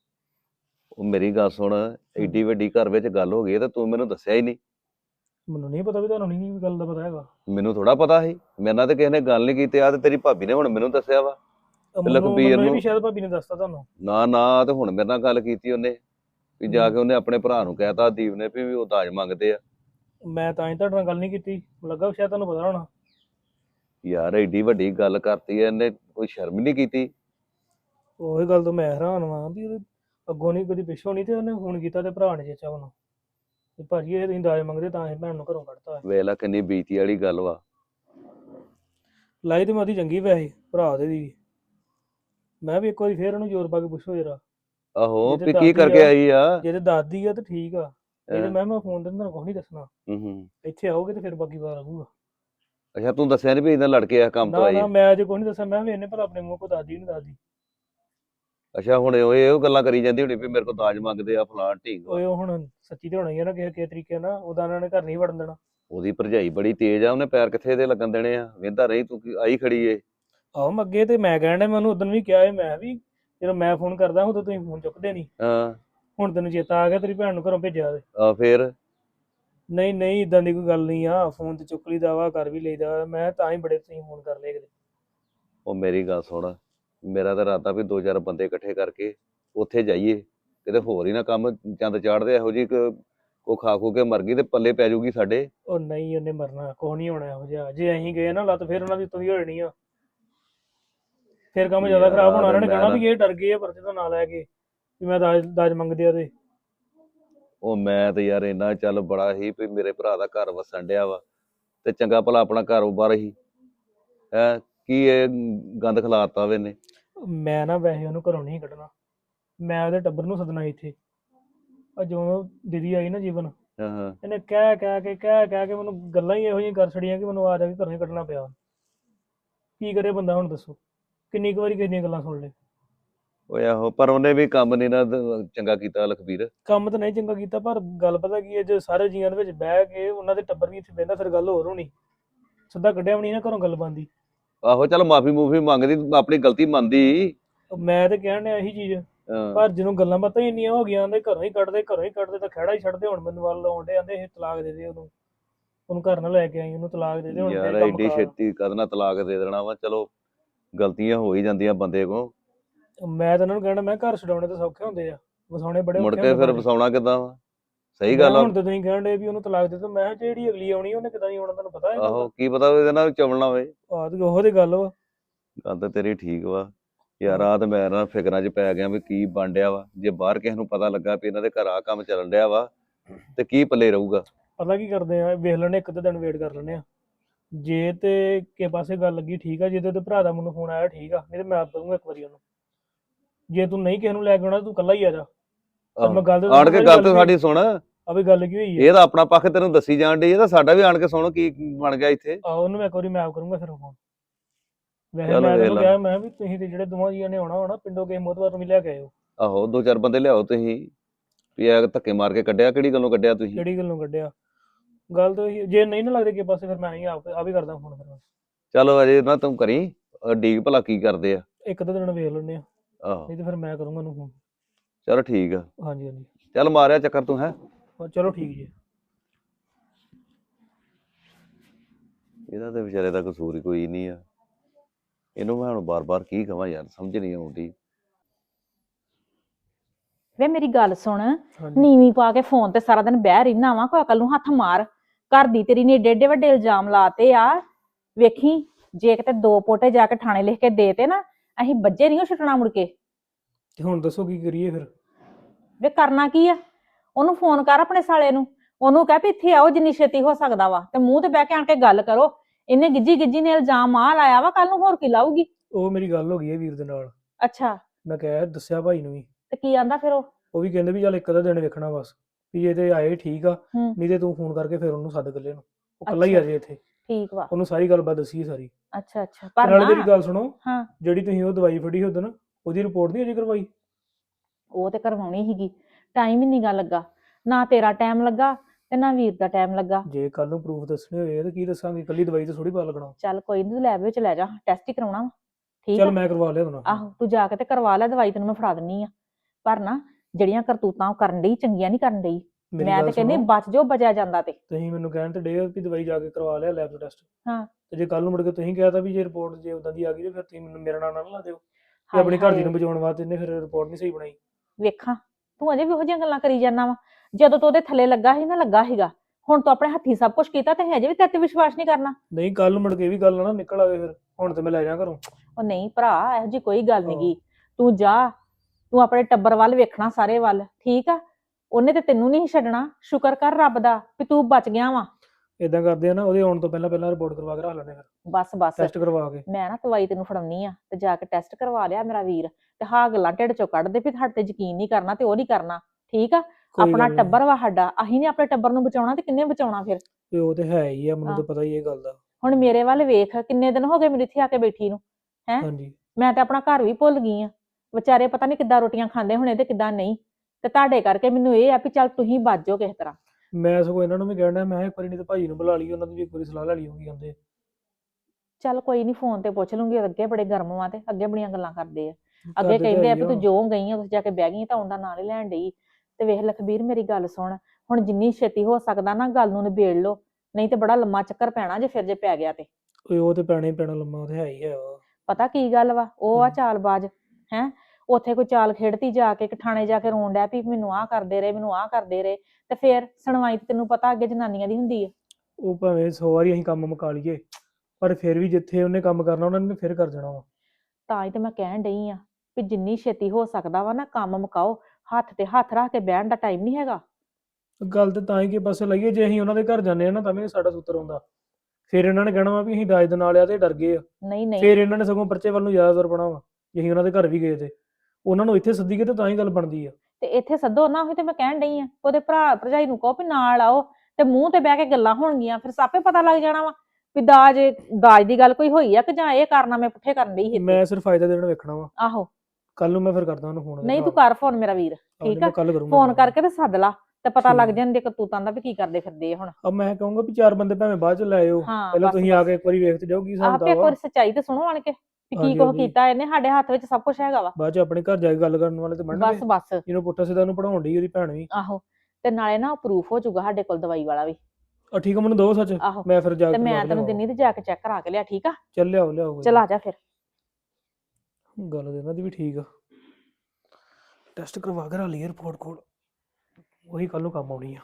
Speaker 2: ਉਹ ਮੇਰੀ ਗੱਲ ਸੁਣ, ਏਡੀ ਵੱਡੀ ਘਰ ਵਿੱਚ ਗੱਲ ਹੋ ਗਈ ਤੇ ਤੂੰ ਮੈਨੂੰ ਦੱਸਿਆ ਹੀ ਨਹੀਂ।
Speaker 5: ਮੈਨੂੰ ਨਹੀਂ ਪਤਾ ਵੀ ਤੁਹਾਨੂੰ ਨਹੀਂ ਗੱਲ ਦਾ ਪਤਾ ਹੈਗਾ।
Speaker 2: ਮੈਨੂੰ ਥੋੜਾ ਪਤਾ ਸੀ, ਮੇਰੇ ਨਾਲ ਤੇ ਕਿਸੇ ਨੇ ਗੱਲ ਨਹੀਂ ਕੀਤੀ। ਆ ਤੇ ਤੇਰੀ ਭਾਬੀ ਨੇ ਹੁਣ ਮੈਨੂੰ ਦੱਸਿਆ ਵਾ। ਲਖਬੀਰ
Speaker 5: ਮੈਨੂੰ
Speaker 2: ਨੂੰ
Speaker 5: ਵੀ ਸ਼ਾਇਦ ਭਾਬੀ ਨੇ ਦੱਸਤਾ ਤੁਹਾਨੂੰ।
Speaker 2: ਨਾ ਨਾ, ਤੇ ਹੁਣ ਮੇਰੇ ਨਾਲ ਗੱਲ ਕੀਤੀ ਉਹਨੇ ਵੀ ਜਾ ਕੇ ਉਹਨੇ ਆਪਣੇ ਭਰਾ ਨੂੰ ਕਹਿਤਾ ਦੀਪ ਨੇ ਵੀ ਉਹ ਦਾਜ ਮੰਗਦੇ ਆ।
Speaker 5: ਮੈਂ ਤਾਂ ਹੀ ਤੁਹਾਡੇ ਨਾਲ ਗੱਲ ਨਹੀਂ ਕੀਤੀ, ਲੱਗਾ ਸ਼ਾਇਦ ਤੁਹਾਨੂੰ ਪਤਾ ਹੋਣਾ।
Speaker 2: ਯਾਰ ਏਡੀ ਵੱਡੀ ਗੱਲ ਕਰਤੀ ਐ ਇਹਨੇ, ਕੋਈ ਸ਼ਰਮ ਨਹੀਂ ਕੀਤੀ।
Speaker 5: ਉਹੀ ਗੱਲ ਤੋਂ ਮੈਂ ਹੈਰਾਨ ਵਾਂ ਵੀ ਉਹਦੇ ਅੱਗੋਂ ਨਹੀਂ ਕਦੀ ਪਿੱਛੋਂ ਨਹੀਂ, ਤੇ ਉਹਨੇ ਫੋਨ ਕੀਤਾ ਤੇ ਭਰਾ ਨੇ ਚੇਚਾ ਉਹਨੂੰ ਤੇ ਭਾਜੀ ਇਹ ਤੁਸੀਂ ਦਾਜ ਮੰਗਦੇ ਤਾਂ ਇਹ ਭੈਣ ਨੂੰ ਘਰੋਂ ਕੱਢਤਾ।
Speaker 2: ਵੇਖ ਲੈ ਕਿੰਨੀ ਬੀਤੀ ਵਾਲੀ ਗੱਲ ਵਾ।
Speaker 5: ਲਾਈ ਤੇ ਮੈਂ ਉਹਦੀ ਚੰਗੀ ਵੈਸੇ ਭਰਾ ਦੇ ਦੀ। ਮੈਂ ਵੀ ਇੱਕ ਵਾਰੀ ਫੇਰ ਉਹਨੂੰ ਜ਼ੋਰ ਪਾ ਕੇ ਪੁੱਛੋ ਜਰਾ,
Speaker 2: ਆਹੋ
Speaker 5: ਜੇ
Speaker 2: ਵੀ
Speaker 5: ਤੇ
Speaker 2: ਕੀ
Speaker 5: ਦਾਦੀ
Speaker 2: ਕਰਕੇ
Speaker 5: ਆ-
Speaker 2: ਆਈ ਆ।
Speaker 5: ਜੇ ਤੇ ਦੱਸਦੀ ਆ ਤਾਂ ਠੀਕ ਆ, ਇਹ ਤੇ
Speaker 2: ਹਾਂ।
Speaker 5: ਮੈਂ ਫੋਨ ਤੇ ਤੁਹਾਨੂੰ ਕੁਛ ਨਹੀਂ ਦੱਸਣਾ।
Speaker 2: ਹੂੰ।
Speaker 5: ਇੱਥੇ ਆਓਗੇ ਤੇ ਫਿਰ ਬਾਕੀ ਪਤਾ ਲੱਗੂਗਾ।
Speaker 2: ਅੱਛਾ ਤੂੰ ਦੱਸਿਆ ਨੀ ਵੀ ਇਹਨਾਂ ਲੜਕੇ ਆ ਕੰਮ ਤੋਂ
Speaker 5: ਨਾ
Speaker 2: ਆਏ
Speaker 5: ਨਾ,
Speaker 2: ਆ?
Speaker 5: ਮੈਂ ਅਜੇ ਕੋਈ ਨਹੀਂ ਦੱਸਿਆ। ਮੈਂ ਵੀ ਇਹਨੇ ਭਲਾ ਆਪਣੇ ਮੂੰਹ ਕੋ ਦੱਸਦੀ ਨਹੀਂ ਦੱਸਦੀ।
Speaker 2: ਅੱਛਾ ਹੁਣ ਉਹ ਇਹੋ ਗੱਲਾਂ ਕਰੀ ਜਾਂਦੀ ਹੋਣੀ ਵੀ ਮੇਰੇ ਕੋਲ ਦਾਜ ਮੰਗਦੇ ਆ ਫਲਾਣ ਢੀਂਗ।
Speaker 5: ਓਏ ਉਹ ਹੁਣ ਸੱਚੀ ਤੇ ਹੋਣਾ ਹੀ ਆ ਨਾ ਕਿਸੇ ਤਰੀਕੇ ਨਾਲ, ਉਹਦਾ ਉਹਨਾਂ ਨੇ ਘਰ ਨਹੀਂ ਵੜਨ ਦੇਣਾ।
Speaker 2: ਉਹਦੀ ਭਰਜਾਈ ਬੜੀ ਤੇਜ਼ ਆ, ਉਹਨੇ ਪੈਰ ਕਿੱਥੇ ਇਹਦੇ ਲੱਗਣ ਦੇਣੇ ਆ? ਵੇਂਦਾ ਰਹੀ ਤੂੰ ਆਈ ਖੜੀ ਏ।
Speaker 5: ਆਹੋ ਮੈਂ ਅੱਗੇ ਤੇ ਮੈਂ ਕਹਿਣ ਡਿਆ, ਮੈਂ ਉਹਨੂੰ ਉਦੋਂ ਵੀ ਕਿਹਾ ਮੈਂ ਵੀ ਜਦੋਂ ਮੈਂ ਫੋਨ ਕਰਦਾ ਉਦੋਂ ਤੁਸੀਂ ਫੋਨ ਚੁੱਕਦੇ ਨਹੀਂ।
Speaker 2: ਹਾਂ
Speaker 5: ਹੁਣ ਤੈਨੂੰ ਚੇਤਾ ਆ ਗਿਆ ਤੇਰੀ ਭੈਣ ਨੂੰ ਘਰੋਂ ਭੇਜਿਆ ਤੇ।
Speaker 2: ਆ ਫੇਰ
Speaker 5: ਨਹੀਂ ਨਹੀਂ, ਇਦਾਂ ਦੀ ਕੋਈ ਗੱਲ ਨਹੀਂ ਆ, ਫੋਨ ਤੇ ਚੁੱਕ ਲਈਦਾ ਵਾ, ਕਰ ਵੀ ਲਈਦਾ। ਮੈਂ ਤਾਂ ਹੀ ਬੜੇ ਤੁਸੀਂ ਫੋਨ ਕਰ ਲਏ ਕਿਤੇ।
Speaker 2: ਉਹ ਮੇਰੀ ਗੱਲ ਸੁਣ, ਮੇਰਾ ਤਾਂ ਇਰਾਦਾ ਵੀ 2-4 ਬੰਦੇ ਇਕੱਠੇ ਕਰਕੇ ਉੱਥੇ ਜਾਈਏ, ਕਿਤੇ ਹੋਰ ਹੀ ਨਾ ਕੰਮ ਚੰਦ ਚਾੜਦੇ ਇਹੋ ਜਿਹੀ ਕੋ ਖਾ ਖੂ ਕੇ ਮਰ ਗਈ ਤੇ ਪੱਲੇ ਪੈ ਜਾਊਗੀ ਸਾਡੇ।
Speaker 5: ਉਹ ਨਹੀਂ, ਉਹਨੇ ਮਰਨਾ, ਕੁਛ ਨਹੀਂ ਹੋਣਾ ਇਹੋ ਜਿਹਾ। ਜੇ ਅਸੀਂ ਗਏ ਨਾ ਲੱਤ, ਫਿਰ ਉਹਨਾਂ ਦੀ ਤੁਹੀ ਹੋ ਜਾਣੀ ਆ, ਫਿਰ ਕੰਮ ਜ਼ਿਆਦਾ ਖਰਾਬ ਹੋਣਾ। ਉਹਨਾਂ ਨੇ ਕਹਿਣਾ ਵੀ ਇਹ ਡਰ ਗਏ ਆ ਪਰਚੇ ਤੋਂ ਨਾ ਲੈ ਕੇ ਵੀ ਮੈਂ ਦਾਜ ਮੰਗਦੇ ਆ ਤੇ।
Speaker 2: ਉਹ ਮੈਂ ਤੇ ਯਾਰ ਇੰਨਾ ਚੱਲ ਬੜਾ ਹੀ ਵੀ ਮੇਰੇ ਭਰਾ ਦਾ ਘਰ ਵਸਣ ਡਿਆ ਵਾ ਤੇ ਚੰਗਾ ਭਲਾ ਆਪਣਾ ਕਾਰੋਬਾਰ ਹੀ ਹੈ, ਕੀ ਇਹ ਗੰਦ ਖਿਲਾਤਾ ਵੇ ਨੇ।
Speaker 5: ਮੈਂ ਨਾ ਵੈਸੇ ਉਹਨੂੰ ਘਰੋਂ ਨਹੀਂ ਕੱਢਣਾ, ਮੈਂ ਉਹਦੇ ਟੱਬਰ ਨੂੰ ਸੱਦਣਾ ਇੱਥੇ। ਆ ਜਦੋਂ ਦੀਦੀ ਆਈ ਨਾ ਜੀਵਨ,
Speaker 2: ਹਾਂ ਹਾਂ।
Speaker 5: ਇਹਨੇ ਕਹਿ ਕੇ ਮੈਨੂੰ ਗੱਲਾਂ ਹੀ ਇਹੋ ਜਿਹੀਆਂ ਕਰ ਛੜੀਆਂ ਕਿ ਮੈਨੂੰ ਆ ਜਾ ਕੇ ਘਰੋਂ ਹੀ ਕੱਢਣਾ ਪਿਆ। ਕੀ ਕਰੇ ਬੰਦਾ ਹੁਣ ਦੱਸੋ, ਕਿੰਨੀ ਕੁ ਵਾਰੀ ਕਿੰਨੀਆਂ ਗੱਲਾਂ ਸੁਣ ਲਏ।
Speaker 2: ਓਏ ਆਹੋ, ਪਰ ਉਹਨੇ ਵੀ ਕੰਮ ਨਹੀਂ ਨਾ ਚੰਗਾ ਕੀਤਾ ਲਖਬੀਰ।
Speaker 5: ਕੰਮ ਤਾਂ ਨਹੀਂ ਚੰਗਾ ਕੀਤਾ, ਪਰ ਗੱਲ ਪਤਾ ਕੀ ਹੈ, ਜੇ ਸਾਰੇ ਜੀਆਂ ਦੇ ਵਿੱਚ ਬਹਿ ਕੇ ਉਹਨਾਂ ਦੇ ਟੱਬਰ ਵੀ ਇੱਥੇ ਬਹਿੰਦਾ ਫਿਰ ਗੱਲ ਹੋਰ ਹੋਣੀ। ਸਿੱਧਾ ਕੱਢਿਆ ਵੀ ਨਹੀਂ ਨਾ ਘਰੋਂ ਗੱਲ ਬਣਦੀ।
Speaker 2: ਆਹੋ ਚੱਲ ਮਾਫੀ ਮੂਫੀ ਮੰਗਦੀ, ਆਪਣੀ ਗਲਤੀ ਮੰਨਦੀ।
Speaker 5: ਮੈਂ ਤੇ ਕਹਿਣ ਡਿਆ ਇਹੀ ਚੀਜ਼,
Speaker 2: ਹਾਂ।
Speaker 5: ਪਰ ਜਦੋਂ ਗੱਲਾਂ ਬਾਤਾਂ ਹੀ ਇੰਨੀਆਂ ਹੋ ਗਈਆਂ, ਆਂਦੇ ਘਰੋਂ ਹੀ ਕੱਢਦੇ ਤਾਂ ਖਹਿੜਾ ਹੀ ਛੱਡਦੇ। ਹੁਣ ਮੈਨੂੰ ਵੱਲ ਆਉਂਦੇ ਆਂਦੇ ਇਹ ਤਲਾਕ ਦੇ ਦੇ ਉਹਨੂੰ ਘਰ ਨਾਲ ਲੈ ਕੇ ਆਈ, ਉਹਨੂੰ ਤਲਾਕ ਦੇ ਦੇ। ਹੁਣ
Speaker 2: ਯਾਰ
Speaker 5: ਫੇਰ ਕੰਮ
Speaker 2: ਐਡੀ
Speaker 5: ਖਰਾਬ।
Speaker 2: ਛੇਤੀ ਕਦਨਾ ਤਲਾਕ ਦੇ ਦੇਣਾ ਵਾ? ਚਲੋ ਗਲਤੀਆਂ ਹੋ ਹੀ ਜਾਂਦੀਆਂ ਬੰਦੇ ਕੋਲ।
Speaker 5: ਮੈਂ ਤਾਂ ਉਹਨਾਂ ਨੂੰ ਕਹਿਣਾ, ਮੈਂ ਘਰ ਛਡਾਉਣੇ ਤਾਂ ਸੌਖੇ ਹੁੰਦੇ ਆ, ਵਸਾਉਣੇ ਬੜੇ
Speaker 2: ਮੁੜ
Speaker 5: ਔਖੇ
Speaker 2: ਕੇ
Speaker 5: ਹੁੰਦੇ
Speaker 2: ਫਿਰ
Speaker 5: ਭਾਜੀ।
Speaker 2: ਵਸਾਉਣਾ ਕਿੱਦਾਂ ਵਾ? ਸਹੀ ਗੱਲ ਆ।
Speaker 5: ਹੁਣ ਤੇ ਤੁਸੀਂ ਕਹਿਣ ਦੇ ਵੀ ਉਹਨੂੰ ਤਲਾਕ ਦੇ ਦੋ, ਮੈਂ ਕਿਹਾ ਜਿਹੜੀ ਅਗਲੀ ਆਉਣੀ ਉਹਨੇ ਕਿਦਾਂ ਦੀ ਆਉਣਾ ਤੁਹਾਨੂੰ ਪਤਾ ਹੈ
Speaker 2: ਆਹੋ ਕੀ ਪਤਾ ਇਹਦੇ ਨਾਲ ਚਵਲਣਾ ਹੋਵੇ।
Speaker 5: ਆਹ ਤੇ ਉਹੋ ਤੇ ਗੱਲ ਵਾ।
Speaker 2: ਗੱਲ ਤਾਂ ਤੇਰੀ ਠੀਕ ਵਾ ਯਾਰ।
Speaker 5: ਹਾਂ।
Speaker 2: ਆ ਤੇ ਮੈਂ ਨਾ ਫਿਕਰਾਂ 'ਚ ਪੈ ਗਿਆ ਵੀ ਕੀ ਬਣ ਡਿਆ ਵਾ। ਜੇ ਬਾਹਰ ਕਿਸੇ ਨੂੰ ਪਤਾ ਲੱਗਾ ਵੀ ਇਹਨਾਂ ਦੇ ਘਰ ਆ ਕੰਮ ਚੱਲਣ ਡਿਆ ਵਾ ਤੇ ਕੀ ਪੱਲੇ ਰਹੂਗਾ।
Speaker 5: ਪਤਾ ਕੀ ਕਰਦੇ ਆ, ਵੇਖ ਲੈਣੇ ਇੱਕ ਅੱਧੇ ਦਿਨ ਵੇਟ ਕਰ ਲੈਣੇ ਆ। ਜੇ ਤੇ ਕਿਸੇ ਪਾਸੇ ਗੱਲ ਲੱਗੀ ਠੀਕ ਆ, ਜੇ ਤੇ ਉਹਦੇ ਭਰਾ ਦਾ ਮੈਨੂੰ ਫੋਨ ਆਇਆ ਠੀਕ ਆ, ਨਹੀਂ ਤੇ ਮੈਂ ਆਪ ਕਰੂੰਗਾ ਇੱਕ ਵਾਰੀ ਉਹਨੂੰ। ਜੇ ਤੂੰ ਨਹੀਂ ਕਿਸੇ ਨੂੰ ਲੈ ਕੇ ਆਉਣਾ ਤੂੰ ਇਕੱਲਾ ਹੀ ਆ ਜਾ। ਪਰ ਮੈਂ ਗੱਲ
Speaker 2: ਆਣ ਕੇ ਗੱਲ ਤੇ ਸਾਡੀ ਸੁਣ।
Speaker 5: ਆ ਵੀ ਗੱਲ ਕੀ ਹੋਈ ਹੈ।
Speaker 2: ਇਹ ਤਾਂ ਆਪਣਾ ਪੱਖ ਤੈਨੂੰ ਦੱਸੀ ਜਾਣ ਡਈ, ਇਹਦਾ ਸਾਡਾ ਵੀ ਆਣ ਕੇ ਸੁਣੋ ਕੀ ਬਣ ਗਿਆ ਇੱਥੇ।
Speaker 5: ਆਹੋ ਉਹਨੂੰ ਮੈਂ ਇੱਕ ਵਾਰੀ ਮੈਂ ਆਪ ਕਰੂੰਗਾ ਫਿਰ ਫੋਨ। ਵੈਸੇ
Speaker 2: ਚੱਲ
Speaker 5: ਮੈਂ
Speaker 2: ਵੇਖ
Speaker 5: ਤੈਨੂੰ
Speaker 2: ਲਾ।
Speaker 5: ਕਿਹਾ ਮੈਂ ਵੀ ਤੁਸੀਂ ਤੇ ਜਿਹੜੇ ਦੋਵਾਂ ਜੀਆਂ ਨੇ ਆਉਣਾ ਹੋਣਾ ਪਿੰਡੋਂ ਕਿਸੇ ਮੋਤਬਰ ਨੂੰ ਵੀ ਲੈ ਕੇ ਆਇਓ।
Speaker 2: ਆਹੋ 2-4 ਬੰਦੇ ਲਿਆਓ ਤੁਸੀਂ ਵੀ ਇਹ ਧੱਕੇ ਮਾਰ ਕੇ ਕੱਢਿਆ। ਕਿਹੜੀ ਗੱਲੋਂ ਕੱਢਿਆ ਤੁਸੀਂ?
Speaker 5: ਕਿਹੜੀ ਗੱਲੋਂ ਕੱਢਿਆ? ਗੱਲ ਤਾਂ ਇਹੀ, ਜੇ ਨਹੀਂ ਨਾ ਲੱਗਦੇ ਕਿਸੇ ਪਾਸੇ ਫਿਰ ਮੈਂ ਹੀ ਆਪ ਹੀ ਕਰਦਾ ਫੋਨ ਫਿਰ।
Speaker 2: ਚਲੋ ਅਜੇ ਨਾ ਤੂੰ ਕਰੀ ਡੀਕ ਭਲਾ ਕੀ ਕਰਦੇ ਆ।
Speaker 5: ਇੱਕ ਅੱਧੇ ਦਿਨ ਵੇਖ ਲੈਣੇ ਆ,
Speaker 2: ਆਹੋ
Speaker 5: ਨਹੀਂ ਤੇ ਫਿਰ ਮੈਂ ਕਰੂੰਗਾ ਉਹਨੂੰ ਫੋਨ।
Speaker 2: ਚਲੋ ਠੀਕ ਆ।
Speaker 5: ਹਾਂਜੀ ਹਾਂਜੀ।
Speaker 2: ਚੱਲ ਮਾਰਿਆ ਚੱਕਰ ਤੂੰ। ਹੈ
Speaker 5: ਚਲੋ ਠੀਕ ਜੀ।
Speaker 2: ਇਹਦਾ ਤੇ ਵਿਚਾਰੇ ਦਾ ਕਸੂਰ ਹੀ ਕੋਈ ਨਹੀਂ ਆ। ਇਹਨੂੰ ਮੈਂ ਹੁਣ ਬਾਰ-ਬਾਰ ਕੀ ਕਹਾਂ ਯਾਰ, ਸਮਝ ਨਹੀਂ ਆਉਂਦੀ।
Speaker 6: ਵੇ ਮੇਰੀ ਗੱਲ ਸੁਣ,
Speaker 5: ਹਾਂਜੀ
Speaker 6: ਨੀਵੀਂ ਪਾ ਕੇ ਫੋਨ ਤੇ ਸਾਰਾ ਦਿਨ ਬਹਿ ਰਹਿਣਾ ਵਾ, ਕੋਈ ਅਕਲ ਨੂੰ ਹੱਥ ਮਾਰ। ਘਰ ਦੀ ਤੇਰੀ ਨੇ ਏਡੇ ਏਡੇ ਵੱਡੇ ਇਲਜ਼ਾਮ ਲਾਤੇ ਆ। ਵੇਖੀ ਜੇ ਕਿਤੇ 2 ਪੋਟੇ ਜਾ ਕੇ ਥਾਣੇ ਲਿਖ ਕੇ ਦੇਤੇ ਨਾ, ਅਸੀਂ ਬੱਜੇ ਨਹੀਂ ਛੁੱਟਣਾ ਮੁੜ ਕੇ।
Speaker 5: ਤੇ ਹੁਣ ਦੱਸੋ ਕੀ ਕਰੀਏ ਫਿਰ?
Speaker 6: ਵੇ ਕਰਨਾ ਕੀ ਆ? ਉਹਨੂੰ ਫੋਨ ਕਰ ਆਪਣੇ ਸਾਲੇ ਨੂੰ, ਉਹਨੂੰ ਕਹਿ ਵੀ ਇੱਥੇ ਆਓ ਜਿੰਨੀ ਛੇਤੀ ਹੋ ਸਕਦਾ ਵਾ, ਤੇ ਮੂੰਹ ਤੇ ਬਹਿ ਕੇ ਆਣ ਕੇ ਗੱਲ ਕਰੋ। ਇਹਨੇ ਗਿੱਜੀ ਗਿੱਜੀ ਨੇ ਇਲਜ਼ਾਮ ਆ ਲਾਇਆ ਵਾ, ਕੱਲ ਨੂੰ ਹੋਰ ਕੀ ਲਾਊਗੀ?
Speaker 5: ਉਹ ਮੇਰੀ ਗੱਲ ਹੋ ਗਈ ਹੈ ਵੀਰ ਦੇ ਨਾਲ।
Speaker 6: ਅੱਛਾ,
Speaker 5: ਮੈਂ ਕਿਹਾ ਦੱਸਿਆ ਭਾਈ ਨੂੰ ਵੀ,
Speaker 6: ਤੇ ਕੀ ਆਂਦਾ ਫਿਰ ਉਹ?
Speaker 5: ਉਹ ਵੀ ਕਹਿੰਦੇ ਵੀ ਚੱਲ ਇੱਕ ਅੱਧਾ ਦਿਨ ਵੇਖਣਾ ਬਸ, ਵੀ ਜੇ ਤੇ ਆਏ ਠੀਕ ਆ,
Speaker 6: ਹੂੰ।
Speaker 5: ਨਹੀਂ ਤੇ ਤੂੰ ਫੋਨ ਕਰਕੇ ਫਿਰ ਉਹਨੂੰ ਸੱਦ ਇਕੱਲੇ ਨੂੰ, ਉਹ ਇਕੱਲਾ ਹੀ ਆ ਜੇ ਇੱਥੇ।
Speaker 6: ਠੀਕ ਵਾ।
Speaker 5: ਉਹਨੂੰ ਸਾਰੀ ਗੱਲਬਾਤ ਦੱਸੀ ਸਾਰੀ।
Speaker 6: ਅੱਛਾ ਅੱਛਾ,
Speaker 5: ਤੇ
Speaker 6: ਪਰ
Speaker 5: ਨਾਲੇ
Speaker 6: ਨਾ
Speaker 5: ਮੇਰੀ ਗੱਲ ਸੁਣੋ,
Speaker 6: ਹਾਂ।
Speaker 5: ਜਿਹੜੀ ਤੁਸੀਂ ਉਹ ਦਵਾਈ ਫੜੀ ਸੀ ਉਦਣ, ਉਹਦੀ ਰਿਪੋਰਟ ਨਹੀਂ ਅਜੇ ਕਰਵਾਈ?
Speaker 6: ਉਹ ਤੇ ਕਰਵਾਉਣੀ ਸੀਗੀ, ਟਾਈਮ ਹੀ ਨੀਗਾ ਲੱਗਾ। ਨਾ ਤੇਰਾ ਟਾਈਮ ਲੱਗਾ ਤੇ ਨਾ ਵੀਰ ਦਾ ਟਾਈਮ ਲੱਗਾ।
Speaker 5: ਜੇ ਕੱਲ ਨੂੰ ਪ੍ਰੂਫ ਦੱਸਣੇ ਹੋਏ ਤਾਂ ਕੀ ਦੱਸਾਂਗੇ? ਇਕੱਲੀ ਦਵਾਈ ਤੇ ਥੋੜੀ ਪਤਾ ਲੱਗਣਾ।
Speaker 6: ਚੱਲ ਕੋਈ ਨੀ, ਤੂੰ ਲੈਬ ਵਿੱਚ ਲੈ ਜਾ, ਟੈਸਟ ਹੀ ਕਰਾਉਣਾ ਵਾ। ਠੀਕ
Speaker 5: ਚੱਲ
Speaker 6: ਆ?
Speaker 5: ਮੈਂ ਕਰਵਾ ਲਿਆ ਤੁਹਾਨੂੰ।
Speaker 6: ਆਹੋ, ਤੂੰ ਜਾ ਕੇ ਤੇ ਕਰਵਾ ਲੈ, ਦਵਾਈ ਤੈਨੂੰ ਮੈਂ ਫੜਾ ਦਿੰਨੀ ਆ। ਪਰ ਨਾ ਜਿਹੜੀਆਂ ਕਰਤੂਤਾਂ ਉਹ ਕਰਨ ਡਈ ਚੰਗੀਆਂ ਨਹੀਂ ਕਰਨ ਡਈ।
Speaker 5: ਮੇਰੀ
Speaker 6: ਮੈਂ
Speaker 5: ਗੱਲ
Speaker 6: ਤੇ ਕਹਿੰਦੀ
Speaker 5: ਸੁਣੋ,
Speaker 6: ਬਚ ਜੋ ਬਚਿਆ ਜਾਂਦਾ ਤੇ।
Speaker 5: ਤੁਸੀਂ ਮੈਨੂੰ ਕਹਿਣ ਤੇ ਡੇ ਕਿ ਦਵਾਈ ਜਾ ਕੇ ਕਰਵਾ ਲਿਆ ਲੈਬ ਟੈਸਟ।
Speaker 6: ਹਾਂ।
Speaker 5: ਤੇ ਜੇ ਕੱਲ ਨੂੰ ਮੁੜ ਕੇ ਤੁਸੀਂ ਕਿਹਾ ਤਾਂ ਵੀ ਜੇ ਰਿਪੋਰਟ ਜੇ ਉਦਾਂ ਦੀ ਆ ਗਈ ਤੇ ਫਿਰ ਤੁਸੀਂ ਮੈਨੂੰ ਮੇਰਾ ਨਾਂ ਨਾ ਲਾ ਦਿਓ ਕਿ
Speaker 6: ਹਾਏ
Speaker 5: ਆਪਣੀ ਘਰ ਦੀ
Speaker 6: ਹਾਏ,
Speaker 5: ਨੂੰ ਬਚਾਉਣ ਵਾਸਤੇ ਇਹਨੇ ਫਿਰ ਰਿਪੋਰਟ ਨਹੀਂ ਸਹੀ ਬਣਾਈ।
Speaker 6: ਵੇਖਾਂ ਤੂੰ ਅਜੇ ਵੀ ਉਹੋ ਜਿਹੀਆਂ ਗੱਲਾਂ ਕਰੀ ਜਾਂਦਾ ਵਾ। ਜਦੋਂ ਤੂੰ ਉਹਦੇ ਥੱਲੇ ਲੱਗਾ ਸੀ ਨਾ, ਲੱਗਾ ਸੀਗਾ, ਹੁਣ ਤੂੰ ਆਪਣੇ ਹੱਥੀਂ ਸਭ ਕੁਝ ਕੀਤਾ ਤੇ ਹਜੇ ਵੀ ਤੇਰੇ ਤੇ ਵਿਸ਼ਵਾਸ ਨਹੀਂ ਕਰਨਾ।
Speaker 5: ਨਹੀਂ ਕੱਲ ਨੂੰ ਮੁੜ ਕੇ ਇਹ ਵੀ ਗੱਲ ਨਾ ਨਿਕਲ ਆਵੇ ਫਿਰ। ਹੁਣ ਤੇ ਮੈਂ ਲੈ ਜਾ ਘਰੋਂ।
Speaker 6: ਉਹ ਨਹੀਂ ਭਰਾ, ਇਹੋ ਜਿਹੀ ਕੋਈ ਗੱਲ
Speaker 5: ਹਾਂ।
Speaker 6: ਨੀਗੀ। ਤੂੰ ਜਾ, ਤੂੰ ਆਪਣੇ ਟੱਬਰ ਵੱਲ ਵੇਖਣਾ, ਸਾਰੇ ਵੱਲ। ਠੀਕ ਆ? ਉਹਨੇ ਤੇ ਤੈਨੂੰ ਨਹੀਂ ਛੱਡਣਾ। ਸ਼ੁਕਰ ਕਰ ਰੱਬ ਦਾ ਵੀ ਤੂੰ ਬਚ ਗਿਆ ਵਾ।
Speaker 5: ਇਦਾਂ ਕਰਦੇ ਆ ਨਾ, ਉਹਦੇ ਆਉਣ ਤੋਂ ਪਹਿਲਾਂ ਪਹਿਲਾਂ ਰਿਪੋਰਟ ਕਰਵਾ ਕੇ ਰੱਖ ਲੈਣੇ, ਫਿਰ
Speaker 6: ਬਸ ਬਸ,
Speaker 5: ਟੈਸਟ ਕਰਵਾ ਕੇ।
Speaker 6: ਮੈਂ ਨਾ ਦਵਾਈ ਤੈਨੂੰ ਫੜਾਉਣੀ ਆ, ਤੇ ਜਾ ਕੇ ਟੈਸਟ ਕਰਵਾ ਲਿਆ ਮੇਰਾ ਵੀਰ। ਤੇ ਹਾਂ ਗੱਲਾਂ ਢਿੱਡ ਚੋਂ ਕੱਢ ਦੇ ਵੀ ਸਾਡੇ ਤੇ ਯਕੀਨ ਨਹੀਂ ਕਰਨਾ ਤੇ ਉਹ ਨਹੀਂ ਕਰਨਾ। ਠੀਕ ਆ?
Speaker 5: ਕੋਈ
Speaker 6: ਆਪਣਾ
Speaker 5: ਗੱਲ ਨੀ।
Speaker 6: ਟੱਬਰ ਵਾ ਸਾਡਾ, ਅਸੀਂ ਨੇ ਆਪਣੇ ਟੱਬਰ ਨੂੰ ਬਚਾਉਣਾ ਤੇ ਕਿੰਨੇ ਬਚਾਉਣਾ ਫਿਰ?
Speaker 5: ਤੇ ਉਹ ਤੇ ਹੈ ਹੀ ਆ, ਮੈਨੂੰ
Speaker 6: ਹਾਂ।
Speaker 5: ਤਾਂ ਪਤਾ ਹੀ ਇਹ ਗੱਲ ਦਾ।
Speaker 6: ਹੁਣ ਮੇਰੇ ਵੱਲ ਵੇਖ, ਕਿੰਨੇ ਦਿਨ ਹੋ ਗਏ ਮੈਨੂੰ ਇੱਥੇ ਆ ਕੇ ਬੈਠੀ ਨੂੰ। ਹੈਂ?
Speaker 5: ਹਾਂਜੀ।
Speaker 6: ਮੈਂ ਤੇ ਆਪਣਾ ਘਰ ਵੀ ਭੁੱਲ ਗਈ ਆ। ਵਿਚਾਰੇ ਪਤਾ ਨਹੀਂ ਕਿੱਦਾਂ ਰੋਟੀਆਂ ਖਾਂਦੇ ਹੋਣੇ ਤੇ ਕਿੱਦਾਂ ਨਹੀਂ। ਤੇ ਤੁਹਾਡੇ ਕਰਕੇ ਮੈਨੂੰ ਇਹ ਆ ਵੀ ਚੱਲ ਤੁਸੀਂ ਬਚ ਜਾਓ ਕਿਸੇ ਤਰ੍ਹਾਂ।
Speaker 5: ਮੈਂ ਸਗੋਂ ਇਹਨਾਂ ਨੂੰ ਵੀ ਕਹਿਣਾ, ਮੈਂ ਕਿਹਾ ਇੱਕ ਵਾਰੀ ਨਹੀਂ ਤੇ ਭਾਈ ਨੂੰ ਬੁਲਾ ਲਈ, ਉਹਨਾਂ ਦੀ ਵੀ ਇੱਕ ਵਾਰੀ ਸਲਾਹ ਲੈ ਲਈ ਹੋਗੀ ਕਹਿੰਦੇ।
Speaker 6: ਚੱਲ ਕੋਈ ਨਹੀਂ, ਫੋਨ ਤੇ ਪੁੱਛ ਲੂੰਗੀ। ਅੱਗੇ ਬੜੇ ਗਰਮ ਵਾਂ ਤੇ ਅੱਗੇ ਬੜੀਆਂ ਗੱਲਾਂ ਕਰਦੇ ਆ। ਅੱਗੇ
Speaker 5: ਕਰਦੇ ਤਾਂ
Speaker 6: ਕਹਿੰਦੇ ਆ
Speaker 5: ਹੈ
Speaker 6: ਵੀ
Speaker 5: ਹੀ
Speaker 6: ਤੂੰ ਜੋ ਗਈ ਆ, ਤੁਸੀਂ ਜਾ ਕੇ ਬਹਿ ਗਈ ਤਾਂ ਉਹਦਾ ਨਾਂ ਨਹੀਂ ਲੈਣ ਡਈ। ਤੇ ਵੇਖ ਲਖਬੀਰ, ਮੇਰੀ ਗੱਲ ਸੁਣ, ਹੁਣ ਜਿੰਨੀ ਛੇਤੀ ਹੋ ਸਕਦਾ ਨਾ ਗੱਲ ਨੂੰ ਨਿਬੇੜ ਲਓ, ਨਹੀਂ ਤੇ ਬੜਾ ਲੰਮਾ ਚੱਕਰ ਪੈਣਾ ਜੇ ਫਿਰ ਜੇ ਪੈ ਗਿਆ ਤੇ।
Speaker 5: ਓਏ ਉਹ ਤੇ ਪੈਣਾ ਹੀ ਪੈਣਾ, ਲੰਮਾ ਉਹ ਤੇ ਹੈ ਹੀ ਹੈ ਵਾ।
Speaker 6: ਪਤਾ ਕੀ ਗੱਲ ਵਾ, ਉਹ ਆ
Speaker 5: ਹਾਂਜੀ।
Speaker 6: ਚਾਲਬਾਜ਼। ਹੈ ਉੱਥੇ ਕੋਈ ਚਾਲ ਖੇਡਤੀ ਜਾ ਕੇ ਥਾਣੇ ਜਾ ਕੇ ਰੋਣ ਡਿਆ ਵੀ ਮੈਨੂੰ ਆਹ ਕਰਦੇ ਰਹੇ, ਮੈਨੂੰ ਆਹ ਕਰਦੇ ਰਹੇ। ਤੇ ਫਿਰ ਸੁਣਵਾਈ ਤੇ ਤੈਨੂੰ ਪਤਾ ਅੱਗੇ ਜਨਾਨੀਆਂ ਦੀ ਹੁੰਦੀ ਆ।
Speaker 5: ਉਹ ਭਾਵੇਂ 100 ਵਾਰੀ ਅਸੀਂ ਕੰਮ ਮੁਕਾ ਲਈਏ, ਪਰ ਫਿਰ ਵੀ ਜਿੱਥੇ ਉਹਨੇ ਕੰਮ ਕਰਨਾ ਉਹਨਾਂ ਨੇ ਫਿਰ ਕਰ ਜਾਣਾ ਵਾ।
Speaker 6: ਤਾਂ ਹੀ ਤੇ ਮੈਂ ਕਹਿਣ ਡਈ ਆ ਵੀ ਜਿੰਨੀ ਛੇਤੀ ਹੋ ਸਕਦਾ ਵਾ ਨਾ ਕੰਮ ਮੁਕਾਓ। ਹੱਥ ਤੇ ਹੱਥ ਰੱਖ ਕੇ ਬਹਿਣ ਦਾ ਟਾਈਮ ਨਹੀਂ ਹੈਗਾ।
Speaker 5: ਗੱਲ ਤੇ ਤਾਂ ਹੀ ਕਿ ਪਾਸੇ ਲਾਈਏ, ਜੇ ਅਸੀਂ ਉਹਨਾਂ ਦੇ ਘਰ ਜਾਂਦੇ ਆ ਨਾ ਤਾਂ ਵੀ ਨੀ ਸਾਡਾ ਸੂਤਰ ਆਉਂਦਾ। ਫਿਰ ਇਹਨਾਂ ਨੇ ਕਹਿਣਾ ਵਾ ਵੀ ਅਸੀਂ ਦਾਜ ਦੇ ਨਾਲ ਆ ਤੇ ਡਰ ਗਏ ਆ।
Speaker 6: ਨਹੀਂ ਨਹੀਂ,
Speaker 5: ਫਿਰ ਇਹਨਾਂ ਨੇ ਸਗੋਂ ਪਰਚੇ ਵੱਲ ਨੂੰ ਜ਼ਿਆਦਾ ਜ਼ੋਰ ਪਾਉਣਾ ਵਾ। ਜੇ ਅਸੀਂ ਉਹਨਾਂ ਦੇ ਘਰ ਵੀ ਗਏ ਤੇ ਉਹਨਾਂ ਨੂੰ ਇੱਥੇ ਸੱਦੀਏ ਤੇ ਤਾਂ ਹੀ ਗੱਲ ਬਣਦੀ ਆ।
Speaker 6: ਤੇ ਇੱਥੇ ਸੱਦੋ ਨਾ, ਉਹੀ ਤੇ ਮੈਂ ਕਹਿਣ ਡਈ ਆ। ਉਹਦੇ ਭਰਾ ਭਰਜਾਈ ਨੂੰ ਕਹੋ ਵੀ ਨਾਲ ਆਓ, ਤੇ ਮੂੰਹ ਤੇ ਬਹਿ ਕੇ ਗੱਲਾਂ ਹੋਣਗੀਆਂ। ਫਿਰ ਸਾਪੇ ਪਤਾ ਲੱਗ ਜਾਣਾ ਵਾ ਵੀ ਦਾਜ ਦੀ ਗੱਲ ਕੋਈ ਹੋਈ ਆ ਕਿ ਜਾਂ ਇਹ ਕਾਰਨਾਮੇ ਪੁੱਠੇ ਕਰਨ ਡਈ ਸੀ ਇੱਥੇ।
Speaker 5: ਮੈਂ ਸਿਰਫ ਫਾਇਦਾ ਦੇਣ ਵੇਖਣਾ ਵਾ।
Speaker 6: ਆਹੋ,
Speaker 5: ਕੱਲ ਨੂੰ ਮੈਂ ਫਿਰ ਕਰਦਾ ਉਹਨੂੰ ਫੋਨ।
Speaker 6: ਨਹੀਂ ਤੂੰ ਕਰ ਫੋਨ ਮੇਰਾ ਵੀਰ। ਠੀਕ ਆ?
Speaker 5: ਮੈਂ ਕੱਲ ਕਰੂੰਗਾ
Speaker 6: ਫੋਨ ਕਰਕੇ ਤੇ ਸੱਦ ਲਾ, ਤੇ ਪਤਾ ਲੱਗ
Speaker 5: ਠੀਕ।
Speaker 6: ਜਾਂਦੇ ਕਰਤੂਤਾਂ ਦਾ ਵੀ ਕੀ ਕਰਦੇ ਫਿਰਦੇ ਆ ਹੁਣ।
Speaker 5: ਅਬ ਮੈਂ ਕਹੂੰਗਾ ਵੀ 4 ਬੰਦੇ ਭਾਵੇਂ ਬਾਅਦ ਚ ਲੈ ਆਇਓ,
Speaker 6: ਹਾਂ
Speaker 5: ਪਹਿਲਾਂ
Speaker 6: ਬਸ
Speaker 5: ਤੁਸੀਂ ਆ
Speaker 6: ਬਸ।
Speaker 5: ਕੇ ਇੱਕ ਵਾਰੀ ਵੇਖ ਤੇ ਜਾਓ ਕੀ ਹਿਸਾਬ
Speaker 6: ਆਪੇ
Speaker 5: ਦਾ
Speaker 6: ਇੱਕ
Speaker 5: ਵਾ।
Speaker 6: ਵਾਰੀ ਸੱਚਾਈ ਤੇ ਸੁਣੋ ਆਣ ਕੇ ਵੀ ਕੀ
Speaker 5: ਹਾਂਜੀ,
Speaker 6: ਕੁਛ
Speaker 5: ਹਾਂਜੀ।
Speaker 6: ਕੀਤਾ ਇਹਨੇ। ਸਾਡੇ ਹੱਥ ਵਿੱਚ ਸਭ ਕੁਝ ਹੈਗਾ ਵਾ।
Speaker 5: ਬਾਅਦ ਚ ਆਪਣੇ ਘਰ ਜਾ ਕੇ ਗੱਲ ਕਰਨ ਵਾਲੇ ਤੇ
Speaker 6: ਬਸ
Speaker 5: ਬਣਨਗੇ।
Speaker 6: ਬਸ,
Speaker 5: ਜਿਹਨੂੰ ਪੁੱਠਾ ਸਿੱਧਾ ਨੂੰ ਪੜਾਉਣ ਡਈ ਉਹਦੀ ਭੈਣ ਵੀ।
Speaker 6: ਆਹੋ। ਤੇ ਨਾਲੇ ਨਾ ਪ੍ਰੂਫ ਹੋ ਜਾਊਗਾ ਸਾਡੇ ਕੋਲ ਦਵਾਈ ਵਾਲਾ ਵੀ।
Speaker 5: ਆ ਠੀਕ ਆ, ਮੈਨੂੰ ਦੋ ਸੱਚ।
Speaker 6: ਆਹੋ,
Speaker 5: ਮੈਂ ਫਿਰ ਜਾ
Speaker 6: ਤੇ
Speaker 5: ਕੇ
Speaker 6: ਮੈਂ
Speaker 5: ਕਰਵਾ
Speaker 6: ਤੈਨੂੰ
Speaker 5: ਕੇ
Speaker 6: ਦਿੰਨੀ ਤੇ ਜਾ ਕੇ ਚੈੱਕ ਕਰਾ ਕੇ ਲਿਆ। ਠੀਕ ਆ?
Speaker 5: ਚੱਲ ਲਿਆਓ
Speaker 6: ਚਲ ਆ ਜਾ ਫਿਰ।
Speaker 5: ਗੱਲ ਤੇ ਇਹਨਾਂ ਦੀ ਵੀ ਠੀਕ ਆ। ਟੈਸਟ ਕਰਵਾ ਕੇ ਰਾ ਲਈ ਰਿਪੋਰਟ ਕੋਲ। ਉਹੀ ਕੱਲ ਨੂੰ ਕੰਮ ਆਉਣੀ ਆ।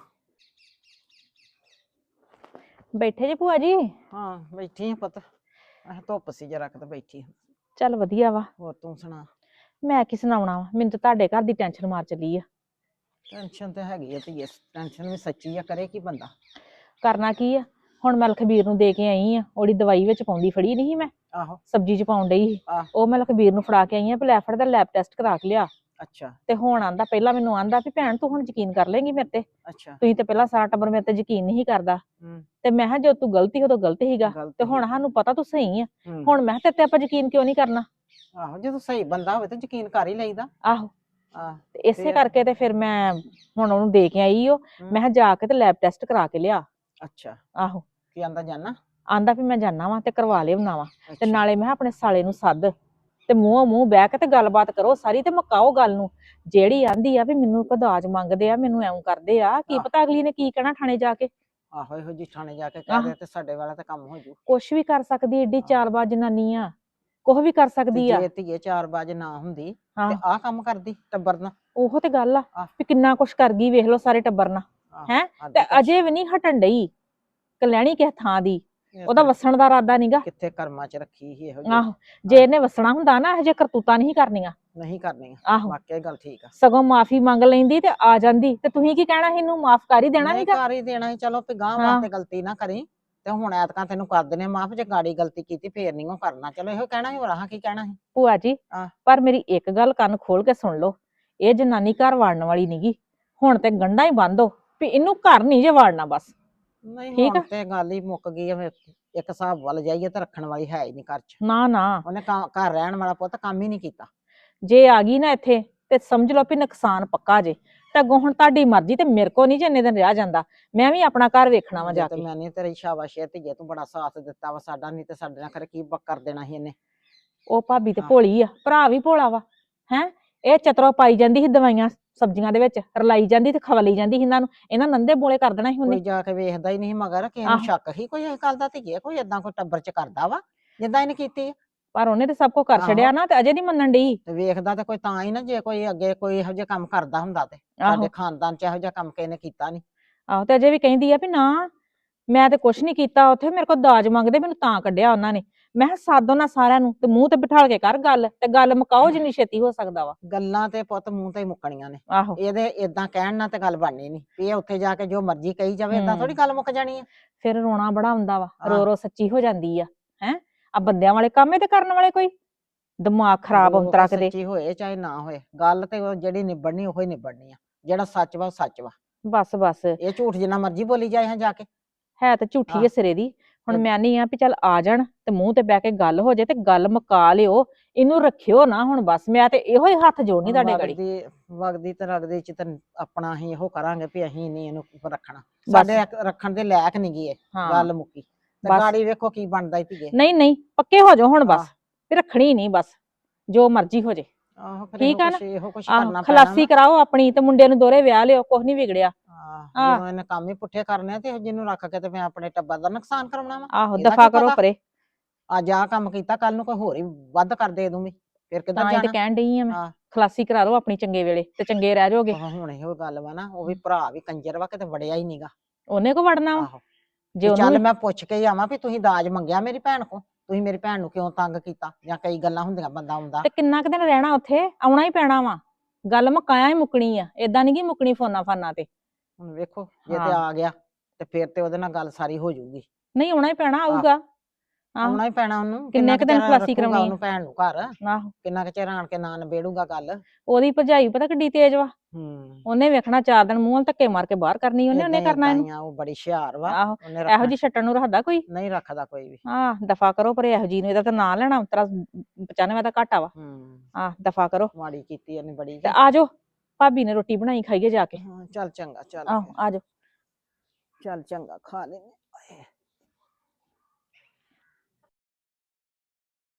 Speaker 6: ਬੈਠੇ ਜੇ ਭੂਆ ਜੀ?
Speaker 7: ਹਾਂ ਬੈਠੀ ਹਾਂ ਪੁੱਤ। ਧੁੱਪ ਸੀ ਜਰਾ ਕਿਤੇ ਬੈਠੀ ਹਾਂ।
Speaker 6: ਚੱਲ ਵਧੀਆ ਵਾ।
Speaker 7: ਹੋਰ ਤੂੰ ਸੁਣਾ?
Speaker 6: ਮੈਂ ਕੀ ਸੁਣਾਉਣਾ ਵਾ, ਮੈਨੂੰ ਤਾਂ ਤੁਹਾਡੇ ਘਰ ਦੀ ਟੈਨਸ਼ਨ ਮਾਰ ਚੱਲੀ ਆ।
Speaker 7: ਟੈਨਸ਼ਨ ਤੇ ਹੈਗੀ ਆ ਧੀਏ, ਟੈਨਸ਼ਨ ਵੀ ਸੱਚੀ ਆ, ਕਰੇ ਕੀ ਬੰਦਾ।
Speaker 6: ਕਰਨਾ ਕੀ ਆ, ਹੁਣ ਮੈਂ ਲਖਬੀਰ ਨੂੰ ਦੇ ਕੇ ਆਈ ਆ, ਉਹਦੀ ਦਵਾਈ ਵਿੱਚ ਪਾਉਂਦੀ ਫੜੀ ਨਹੀਂ ਸੀ ਮੈਂ,
Speaker 7: ਆਹੋ।
Speaker 6: ਸਬਜ਼ੀ ਚ ਪਾਉਣ ਡਈ ਸੀ।
Speaker 7: ਆਹ।
Speaker 6: ਉਹ ਮੈਂ ਲਖਬੀਰ ਨੂੰ ਫੜਾ ਕੇ ਆਈ ਆ ਵੀ ਲੈ ਫੜ ਦਾ ਲੈਬ ਟੈਸਟ ਕਰਾ ਕੇ ਲਿਆ।
Speaker 7: ਅੱਛਾ
Speaker 6: ਤੇ ਹੁਣ ਆਂਦਾ, ਪਹਿਲਾਂ ਮੈਨੂੰ ਆਂਦਾ ਵੀ ਭੈਣ ਤੂੰ ਹੁਣ ਯਕੀਨ ਕਰ ਲੇਂਗੀ ਮੇਰੇ ਤੇ,
Speaker 7: ਅੱਛਾ।
Speaker 6: ਤੁਸੀਂ ਤੇ ਪਹਿਲਾਂ ਸਾਰਾ ਟੱਬਰ ਮੇਰੇ ਤੇ ਯਕੀਨ ਨਹੀਂ ਕਰਦਾ।
Speaker 7: ਹੂੰ।
Speaker 6: ਤੇ ਮੈਂ ਕਿਹਾ ਜੋ ਤੂੰ ਗਲਤੀ ਉਦੋਂ ਗਲਤ ਹੀਗਾ,
Speaker 7: ਗਲਤ
Speaker 6: ਤੇ ਹੁਣ
Speaker 7: ਸੀ।
Speaker 6: ਸਾਨੂੰ ਪਤਾ ਤੂੰ ਸਹੀ ਆ,
Speaker 7: ਹੂੰ।
Speaker 6: ਹੁਣ ਮੈਂ ਕਿਹਾ ਤੇਰੇ ਤੇ ਆਪਾਂ ਯਕੀਨ ਕਿਉਂ ਨਹੀਂ ਕਰਨਾ।
Speaker 7: ਆਹੋ ਜਦੋਂ ਸਹੀ ਬੰਦਾ ਹੋਵੇ ਤਾਂ ਯਕੀਨ ਕਰ ਹੀ ਲਈਦਾ।
Speaker 6: ਆਹੋ।
Speaker 7: ਆਹ।
Speaker 6: ਤੇ ਇਸੇ
Speaker 7: ਫਿਰ?
Speaker 6: ਕਰਕੇ ਤੇ ਫਿਰ ਮੈਂ ਹੁਣ ਉਹਨੂੰ ਦੇ ਕੇ ਆਈ ਮੈਂ ਕਿਹਾ ਜਾ ਕੇ ਤੇ ਲੈਬ ਟੈਸਟ ਕਰਾ ਕੇ ਲਿਆ।
Speaker 7: ਅੱਛਾ।
Speaker 6: ਆਹੋ।
Speaker 7: ਕੀ ਆਂਦਾ ਜਾਨਾ?
Speaker 6: ਆਂਦਾ ਵੀ ਮੈਂ ਜਾਣਾ ਵਾ ਤੇ ਕਰਵਾ ਲਿਆਉਣਾ ਵਾ, ਤੇ
Speaker 7: ਅੱਛਾ।
Speaker 6: ਨਾਲੇ ਮੈਂ ਕਿਹਾ ਆਪਣੇ ਸਾਲੇ ਨੂੰ ਸੱਦ ਤੇ ਮੂੰਹੋਂ ਮੂੰਹ ਬਹਿ ਕੇ ਤੇ ਗੱਲਬਾਤ ਕਰੋ ਸਾਰੀ, ਤੇ ਮੁਕਾਓ ਗੱਲ ਨੂੰ। ਜਿਹੜੀ ਆਂਦੀ ਆ ਵੀ ਮੈਨੂੰ ਦਾਜ ਮੰਗਦੇ ਆ, ਮੈਨੂੰ ਐਉਂ ਕਰਦੇ ਆ, ਕੀ
Speaker 7: ਆਹ।
Speaker 6: ਪਤਾ ਅਗਲੀ ਨੇ ਕੀ ਕਹਿਣਾ ਥਾਣੇ ਜਾ ਕੇ।
Speaker 7: ਆਹੋ ਇਹੋ ਜੀ ਥਾਣੇ ਜਾ ਕੇ ਕਹਿ ਦੇ ਤੇ ਸਾਡੇ ਵਾਲਾ ਤਾਂ ਕੰਮ ਹੋ ਜੂ।
Speaker 6: ਕੁਛ ਵੀ ਕਰ ਸਕਦੀ, ਏਡੀ ਚਾਲਬਾਜ਼ ਜਨਾਨੀ ਆ, ਕੁਛ ਵੀ ਕਰ
Speaker 7: ਤੇ
Speaker 6: ਸਕਦੀ ਆ।
Speaker 7: ਜੇ ਧੀਏ 4 ਵਜੇ ਨਾ ਹੁੰਦੀ
Speaker 6: ਹਾਂ।
Speaker 7: ਤੇ ਆਹ ਕੰਮ ਕਰਦੀ ਟੱਬਰ ਨਾਲ।
Speaker 6: ਉਹੋ ਤੇ ਗੱਲ ਆ
Speaker 7: ਆਹ।
Speaker 6: ਵੀ ਕਿੰਨਾ ਕੁਛ ਕਰ ਗਈ, ਵੇਖ ਲਓ ਸਾਰੇ ਟੱਬਰ ਨਾਲ।
Speaker 7: ਆਹ,
Speaker 6: ਹੈਂ?
Speaker 7: ਹੱਦ
Speaker 6: ਤੇ
Speaker 7: ਕਰ-
Speaker 6: ਅਜੇ ਵੀ ਨਹੀਂ ਹਟਣ ਡਈ ਕਲੈਣੀ ਕਿਸੇ ਥਾਂ ਦੀ,
Speaker 7: ਇਹ
Speaker 6: ਉਹਦਾ
Speaker 7: ਤਾਂ
Speaker 6: ਵਸਣ ਦਾ ਇਰਾਦਾ ਨੀਗਾ।
Speaker 7: ਕਿੱਥੇ ਕਰਮਾਂ ਚ ਰੱਖੀ ਸੀ ਇਹੋ ਜਿਹੀ।
Speaker 6: ਆਹੋ, ਜੇ ਇਹਨੇ ਵਸਣਾ ਹੁੰਦਾ ਨਾ ਇਹੋ ਜਿਹੇ ਕਰਤੂਤਾਂ ਨਹੀਂ ਕਰਨੀਆਂ।
Speaker 7: ਨਹੀਂ ਕਰਨੀ।
Speaker 6: ਆਹੋ।
Speaker 7: ਵਾਕਿਆ ਗੱਲ ਠੀਕ ਆ।
Speaker 6: ਸਗੋਂ ਮਾਫੀ ਮੰਗ ਲੈਂਦੀ ਤੇ ਆ ਜਾਂਦੀ, ਤੇ ਤੁਸੀਂ ਕੀ ਕਹਿਣਾ ਸੀ, ਇਹਨੂੰ ਮਾਫ ਕਰ ਹੀ ਦੇਣਾ
Speaker 7: ਨਹੀਂ
Speaker 6: ਸੀਗਾ।
Speaker 7: ਕਰ ਹੀ ਦੇਣਾ ਸੀ, ਚਲੋ ਵੀ ਗਾਂ
Speaker 6: ਹਾਂ।
Speaker 7: ਵਾਸਤੇ ਗਲਤੀ ਨਾ ਕਰੀ। ਤੇ ਹੁਣ ਐਤਕਾਂ ਤੈਨੂੰ ਕਰ ਦਿੰਨੇ ਮਾਫ, ਜੇ ਗਾੜੀ ਗਲਤੀ ਕੀਤੀ ਫੇਰ ਨਹੀਂ ਉਹ ਕਰਨਾ। ਚਲੋ ਇਹੋ ਕਹਿਣਾ ਸੀ, ਹੋਰ ਆਹ ਕੀ ਕਹਿਣਾ ਸੀ।
Speaker 6: ਭੂਆ ਜੀ
Speaker 7: ਆਹ।
Speaker 6: ਪਰ ਮੇਰੀ ਇੱਕ ਗੱਲ ਕੰਨ ਖੋਲ ਕੇ ਸੁਣ ਲਓ, ਇਹ ਜਨਾਨੀ ਘਰ ਵਾੜਨ ਵਾਲੀ ਨਹੀਂਗੀ। ਹੁਣ ਤੇ ਗੰਢਾਂ ਹੀ ਬੰਦ ਹੋ ਵੀ ਇਹਨੂੰ ਘਰ ਨਹੀਂ ਜੇ ਵਾੜਨਾ ਬਸ।
Speaker 7: ਨਹੀਂ
Speaker 6: ਠੀਕ
Speaker 7: ਹੁਣ
Speaker 6: ਆ।
Speaker 7: ਤੇ ਗੱਲ ਹੀ ਮੁੱਕ ਗਈ ਆ। ਇੱਕ ਹਿਸਾਬ ਵੱਲ ਜਾਈਏ ਤਾਂ ਰੱਖਣ ਵਾਲੀ ਹੈ ਹੀ ਨਹੀਂ ਘਰ ਚ।
Speaker 6: ਨਾ ਨਾ,
Speaker 7: ਉਹਨੇ ਘਰ ਰਹਿਣ ਵਾਲਾ ਪੁੱਤ ਕੰਮ ਹੀ ਨਹੀਂ ਕੀਤਾ।
Speaker 6: ਜੇ ਆ ਗਈ ਨਾ ਇੱਥੇ ਤੇ ਸਮਝ ਲਓ ਵੀ ਨੁਕਸਾਨ ਪੱਕਾ ਜੇ। ਤੇ ਅੱਗੋਂ ਹੁਣ ਤੁਹਾਡੀ ਮਰਜ਼ੀ, ਤੇ ਮੇਰੇ ਕੋ ਨਹੀਂ ਜੇ ਇੰਨੇ ਦਿਨ ਰਿਹਾ ਜਾਂਦਾ, ਮੈਂ ਵੀ ਆਪਣਾ ਘਰ ਵੇਖਣਾ ਵਾ
Speaker 7: ਜੇ
Speaker 6: ਜਾ
Speaker 7: ਤੇ
Speaker 6: ਕੇ।
Speaker 7: ਮੈਂ ਨਹੀਂ ਤੇਰੀ ਸ਼ਾਬਾਸ਼ ਧੀਏ, ਤੂੰ ਬੜਾ ਸਾਥ ਦਿੱਤਾ ਵਾ ਸਾਡਾ, ਨਹੀਂ ਤੇ ਸਾਡੇ ਨਾਲ ਖਰੇ ਕੀ ਕਰ ਦੇਣਾ ਸੀ ਇਹਨੇ।
Speaker 6: ਉਹ ਭਾਬੀ ਤੇ
Speaker 7: ਹਾਂ।
Speaker 6: ਭੋਲੀ ਆ, ਭਰਾ ਵੀ ਭੋਲਾ ਵਾ। ਹੈ ਇਹ ਚਤਰੋ ਪਾਈ ਜਾਂਦੀ ਸੀ ਦਵਾਈਆਂ ਸਬਜ਼ੀਆਂ ਦੇ ਵਿੱਚ, ਰਲਾਈ ਜਾਂਦੀ ਤੇ ਖਵਲੀ ਜਾਂਦੀ ਸੀ ਇਹਨਾਂ ਨੂੰ, ਇਹਨਾਂ ਨੰਦੇ ਬੋਲੇ ਕਰ ਦੇਣਾ ਸੀ ਉਹਨੇ।
Speaker 7: ਕੋਈ ਜਾ ਕੇ ਵੇਖਦਾ ਹੀ ਨਹੀਂ ਮਗਰ, ਕਿਸੇ ਨੂੰ
Speaker 6: ਆਹੋ।
Speaker 7: ਸ਼ੱਕ ਹੀ ਕੋਈ ਇਸ ਗੱਲ ਦਾ ਧੀਏ, ਕੋਈ ਏਦਾਂ ਕੋਈ ਟੱਬਰ ਚ ਕਰਦਾ ਵਾ ਜਿੱਦਾਂ ਇਹਨੇ ਕੀਤੀ ਆ।
Speaker 6: ਪਰ ਉਹਨੇ ਤੇ ਸਭ ਕੁਝ ਕਰ
Speaker 7: ਆਹੋ।
Speaker 6: ਛੜਿਆ ਨਾ, ਤੇ ਅਜੇ ਨਹੀਂ ਮੰਨਣ ਡਈ।
Speaker 7: ਤੇ ਵੇਖਦਾ ਤੇ ਕੋਈ ਤਾਂ ਹੀ ਨਾ, ਜੇ ਕੋਈ ਅੱਗੇ ਕੋਈ ਇਹੋ ਜਿਹਾ ਕੰਮ ਕਰਦਾ ਹੁੰਦਾ ਤੇ।
Speaker 6: ਆਹੋ।
Speaker 7: ਸਾਡੇ ਖਾਨਦਾਨ ਚ ਇਹੋ ਜਿਹਾ ਕੰਮ ਕਿਸੇ ਨੇ ਕੀਤਾ ਨਹੀਂ।
Speaker 6: ਆਹੋ, ਤੇ ਅਜੇ ਵੀ ਕਹਿੰਦੀ ਆ ਵੀ ਨਾ ਮੈਂ ਤੇ ਕੁਛ ਨਹੀਂ ਕੀਤਾ, ਉੱਥੇ ਮੇਰੇ ਕੋਲ ਦਾਜ ਮੰਗਦੇ, ਮੈਨੂੰ ਤਾਂ ਕੱਢਿਆ ਉਹਨਾਂ ਨੇ। ਮੈਂ ਕਿਹਾ ਸੱਦ ਉਹਨਾਂ ਸਾਰਿਆਂ ਨੂੰ ਤੇ ਮੂੰਹ ਤੇ ਬਿਠਾਲ ਕੇ ਕਰ ਗੱਲ, ਤੇ ਗੱਲ ਮੁਕਾਓ ਜਿੰਨੀ ਛੇਤੀ ਹੋ ਸਕਦਾ ਵਾ।
Speaker 7: ਗੱਲਾਂ ਤੇ ਪੁੱਤ ਮੂੰਹ ਤੇ ਹੀ ਮੁੱਕਣੀਆਂ ਨੇ।
Speaker 6: ਆਹੋ।
Speaker 7: ਇਹਦੇ ਏਦਾਂ ਕਹਿਣ ਨਾਲ ਤੇ ਗੱਲ ਬਣਨੀ ਨਹੀਂ, ਵੀ ਇਹ ਉੱਥੇ ਜਾ ਕੇ ਜੋ ਮਰਜ਼ੀ ਕਹੀ ਜਾਵੇ, ਏਦਾਂ ਥੋੜੀ ਗੱਲ ਮੁੱਕ ਜਾਣੀ ਆ।
Speaker 6: ਫਿਰ ਰੋਣਾ ਬੜਾ ਆਉਂਦਾ ਵਾ,
Speaker 7: ਹਾਂ।
Speaker 6: ਰੋ ਰੋ ਸੱਚੀ ਹੋ ਜਾਂਦੀ ਆ। ਹੈ ਆ ਬੰਦਿਆਂ ਵਾਲੇ ਕੰਮ ਤੇ ਕਰਨ ਵਾਲੇ ਕੋਈ ਦਿਮਾਗ ਖਰਾਬ
Speaker 7: ਉਹ
Speaker 6: ਅੰਤਰਾ ਕਿਤੇ।
Speaker 7: ਸੱਚੀ ਹੋਏ ਚਾਹੇ ਨਾ ਹੋਏ, ਗੱਲ ਤੇ ਉਹ ਜਿਹੜੀ ਨਿਬੜਨੀ ਉਹੀ ਨਿਬੜਨੀ ਆ। ਜਿਹੜਾ ਸੱਚ ਵਾ ਉਹ ਸੱਚ ਵਾ।
Speaker 6: ਬਸ ਬਸ,
Speaker 7: ਇਹ ਝੂਠ ਜਿੰਨਾ ਮਰਜ਼ੀ ਬੋਲੀ ਜਾਏ ਹਾਂ ਜਾ ਕੇ।
Speaker 6: ਹੈ ਤੇ ਝੂਠੀ
Speaker 7: ਆਹ।
Speaker 6: ਹੈ ਸਿਰੇ ਦੀ। ਹੁਣ
Speaker 7: ਤੇ-
Speaker 6: ਮੈਂ ਨਹੀਂ ਆ ਵੀ ਚੱਲ ਆ ਜਾਣ ਤੇ ਮੂੰਹ ਤੇ ਬਹਿ ਕੇ ਗੱਲ ਹੋ ਜਾਏ ਤੇ ਗੱਲ ਮੁਕਾ ਲਿਓ, ਇਹਨੂੰ ਰੱਖਿਓ ਨਾ ਹੁਣ ਬਸ। ਮੈਂ ਤੇ ਇਹੋ ਹੀ ਹੱਥ ਜੋੜਨੀ ਤੁਹਾਡੇ ਗੜੀ।
Speaker 7: ਵਗਦੀ ਤੇ ਰਗਦੀ ਚ ਤੇ ਆਪਣਾ ਅਸੀਂ ਇਹੋ ਕਰਾਂਗੇ ਵੀ ਅਸੀਂ ਨਹੀਂ ਇਹਨੂੰ ਰੱਖਣਾ।
Speaker 6: ਬਸ।
Speaker 7: ਸਾਡੇ ਰੱਖਣ ਦੇ ਲਾਇਕ ਨਹੀਂ ਗਈ ਇਹ,
Speaker 6: ਹਾਂ।
Speaker 7: ਗੱਲ ਮੁੱਕੀ। ਤੇ
Speaker 6: ਬਸ।
Speaker 7: ਗਾੜੀ ਵੇਖੋ ਕੀ ਬਣਦਾ ਈ ਧੀਏ।
Speaker 6: ਨਹੀਂ ਨਹੀਂ, ਪੱਕੇ ਹੋ ਜਾਓ ਹੁਣ ਬਸ,
Speaker 7: ਆਹ।
Speaker 6: ਵੀ ਰੱਖਣੀ ਨਹੀਂ ਬਸ, ਜੋ ਮਰਜ਼ੀ ਹੋ ਜੇ।
Speaker 7: ਆਹੋ ਫਿਰ
Speaker 6: ਠੀਕ ਆ ਨਾ?
Speaker 7: ਇਹੋ ਕੁਛ
Speaker 6: ਆਹ
Speaker 7: ਕਰਨਾ ਪੈਣਾ
Speaker 6: ਖਲਾਸੀ ਕਰਾਓ ਆਪਣੀ, ਤੇ ਮੁੰਡੇ ਨੂੰ ਦੋਹਰੇ ਵਿਆਹ ਲਿਓ, ਕੁਛ ਨਹੀਂ ਵਿਗੜਿਆ। ਆਹ।
Speaker 7: ਜਦੋਂ ਇਹਨੇ ਕੰਮ ਹੀ ਪੁੱਠੇ ਕਰਨੇ ਆ ਤੇ ਜਿਹਨੂੰ ਰੱਖ ਕੇ ਤੇ ਮੈਂ ਆਪਣੇ ਟੱਬਰ ਦਾ ਨੁਕਸਾਨ ਕਰਾਉਣਾ ਵਾ।
Speaker 6: ਆਹੋ,
Speaker 7: ਇਹਦਾ
Speaker 6: ਦਫਾ
Speaker 7: ਕੀ
Speaker 6: ਕਰੋ
Speaker 7: ਪਤਾ?
Speaker 6: ਪਰੇ।
Speaker 7: ਅੱਜ ਆਹ ਕੰਮ ਕੀਤਾ, ਕੱਲ ਨੂੰ ਕੋਈ ਹੋਰ ਹੀ ਵੱਧ ਕਰ ਦੇ ਦੂੰਗੀ, ਫਿਰ ਕਿੱਧਰ
Speaker 6: ਤਾਂ ਹੀ ਤੇ
Speaker 7: ਜਾਣਾ।
Speaker 6: ਕਹਿਣ ਡਈ ਆ ਮੈਂ,
Speaker 7: ਹਾਂ।
Speaker 6: ਖਲਾਸੀ ਕਰਾ ਲਓ ਆਪਣੀ ਚੰਗੇ ਵੇਲੇ, ਤੇ ਚੰਗੇ ਰਹਿ ਜਾਓਗੇ।
Speaker 7: ਹੁਣ ਇਹੋ ਗੱਲ ਵਾ ਨਾ, ਉਹ ਵੀ ਭਰਾ ਵੀ ਕੰਜਰ ਵਾ, ਕਿਤੇ ਵੜਿਆ ਹੀ ਨੀਗਾ।
Speaker 6: ਉਹਨੇ ਕੋ ਵੜਨਾ ਵਾ?
Speaker 7: ਆਹੋ।
Speaker 6: ਜੇ
Speaker 7: ਵੀ ਚੱਲ
Speaker 6: ਉਹਨੂੰ
Speaker 7: ਮੈਂ ਪੁੱਛ ਕੇ ਹੀ ਆਵਾਂ ਵੀ ਤੁਸੀਂ ਦਾਜ ਮੰਗਿਆ ਮੇਰੀ ਭੈਣ ਕੋ, ਤੁਸੀਂ ਮੇਰੀ ਭੈਣ ਨੂੰ ਕਿਉਂ ਤੰਗ ਕੀਤਾ, ਜਾਂ ਕਈ ਗੱਲਾਂ ਹੁੰਦੀਆਂ ਬੰਦਾ ਆਉਂਦਾ।
Speaker 6: ਤੇ ਕਿੰਨਾ ਕੁ ਦਿਨ ਰਹਿਣਾ ਉੱਥੇ, ਆਉਣਾ ਹੀ ਪੈਣਾ ਵਾ। ਗੱਲ ਮੁਕਾਇਆ ਹੀ ਮੁੱਕਣੀ ਆ, ਏਦਾਂ ਨਹੀਂ ਗੀ ਮੁੱਕਣੀ ਫੋਨਾ ਫਾਨਾ ਤੇ।
Speaker 7: ਹੁਣ ਵੇਖੋ ਜੇ ਤੇ
Speaker 6: ਹਾਂ।
Speaker 7: ਆ ਗਿਆ ਤੇ ਫਿਰ ਤੇ ਉਹਦੇ ਨਾਲ ਗੱਲ ਸਾਰੀ ਹੋ ਜਾਊਗੀ।
Speaker 6: ਨਹੀਂ ਆਉਣਾ ਹੀ ਪੈਣਾ, ਆਊਗਾ। ਆਹੋ,
Speaker 7: ਆਉਣਾ ਹੀ ਪੈਣਾ ਉਹਨੂੰ।
Speaker 6: ਕਿੰਨੇ ਕੁ ਦਿਨ
Speaker 7: ਚਿਰ
Speaker 6: ਖਲਾਸੀ
Speaker 7: ਰੱਖੂਗਾ
Speaker 6: ਕਰਾਉਣੀ ਆ?
Speaker 7: ਉਹਨੂੰ ਭੈਣ ਨੂੰ ਘਰ,
Speaker 6: ਆਹੋ,
Speaker 7: ਕਿੰਨਾ ਕੁ ਚਿਰ ਆਣ ਕੇ ਨਾ ਨਿਬੇੜੂਗਾ ਗੱਲ।
Speaker 6: ਉਹਦੀ ਭਰਜਾਈ ਪਤਾ ਕਿੱਡੀ ਤੇਜ਼ ਵਾ। ਉਹਨੇ ਵੇਖਣਾ 4 ਦਿਨ ਮੂੰਹ ਧੱਕੇ ਮਾਰ ਕੇ ਬਾਹਰ ਕਰਨੀ, ਉਹਨੇ ਕਰਨਾ ਇਹਨੂੰ।
Speaker 7: ਉਹ ਬੜੀ ਹੁਸ਼ਿਆਰ ਵਾ।
Speaker 6: ਆਹੋ,
Speaker 7: ਉਹਨੇ
Speaker 6: ਇਹੋ
Speaker 7: ਰੱਖਣਾ
Speaker 6: ਜੀ ਛੱਟਣ ਨੂੰ ਰੱਖਦਾ ਕੋਈ?
Speaker 7: ਨਹੀਂ ਰੱਖਦਾ ਕੋਈ ਵੀ।
Speaker 6: ਦਫਾ ਕਰੋ ਪਰੇ ਇਹੋ ਜੀ ਨੂੰ, ਇਹਦਾ ਤਾਂ ਨਾਂ ਲੈਣਾ ਉਤਰਾ 95 ਦਾ ਘਾਟਾ ਵਾ। ਦਫਾ ਕਰੋ।
Speaker 7: ਮਾੜੀ ਕੀਤੀ ਇਹਨੇ ਬੜੀ।
Speaker 6: ਤੇ ਆ ਜਾਓ, ਭਾਬੀ ਨੇ ਰੋਟੀ ਬਣਾਈ, ਖਾਈਏ ਜਾ ਕੇ।
Speaker 7: ਚੱਲ ਚੰਗਾ, ਚੱਲ
Speaker 6: ਆਹੋ, ਆ ਜਾਓ।
Speaker 7: ਚੱਲ ਚੰਗਾ, ਖਾ ਲੈਨੇ।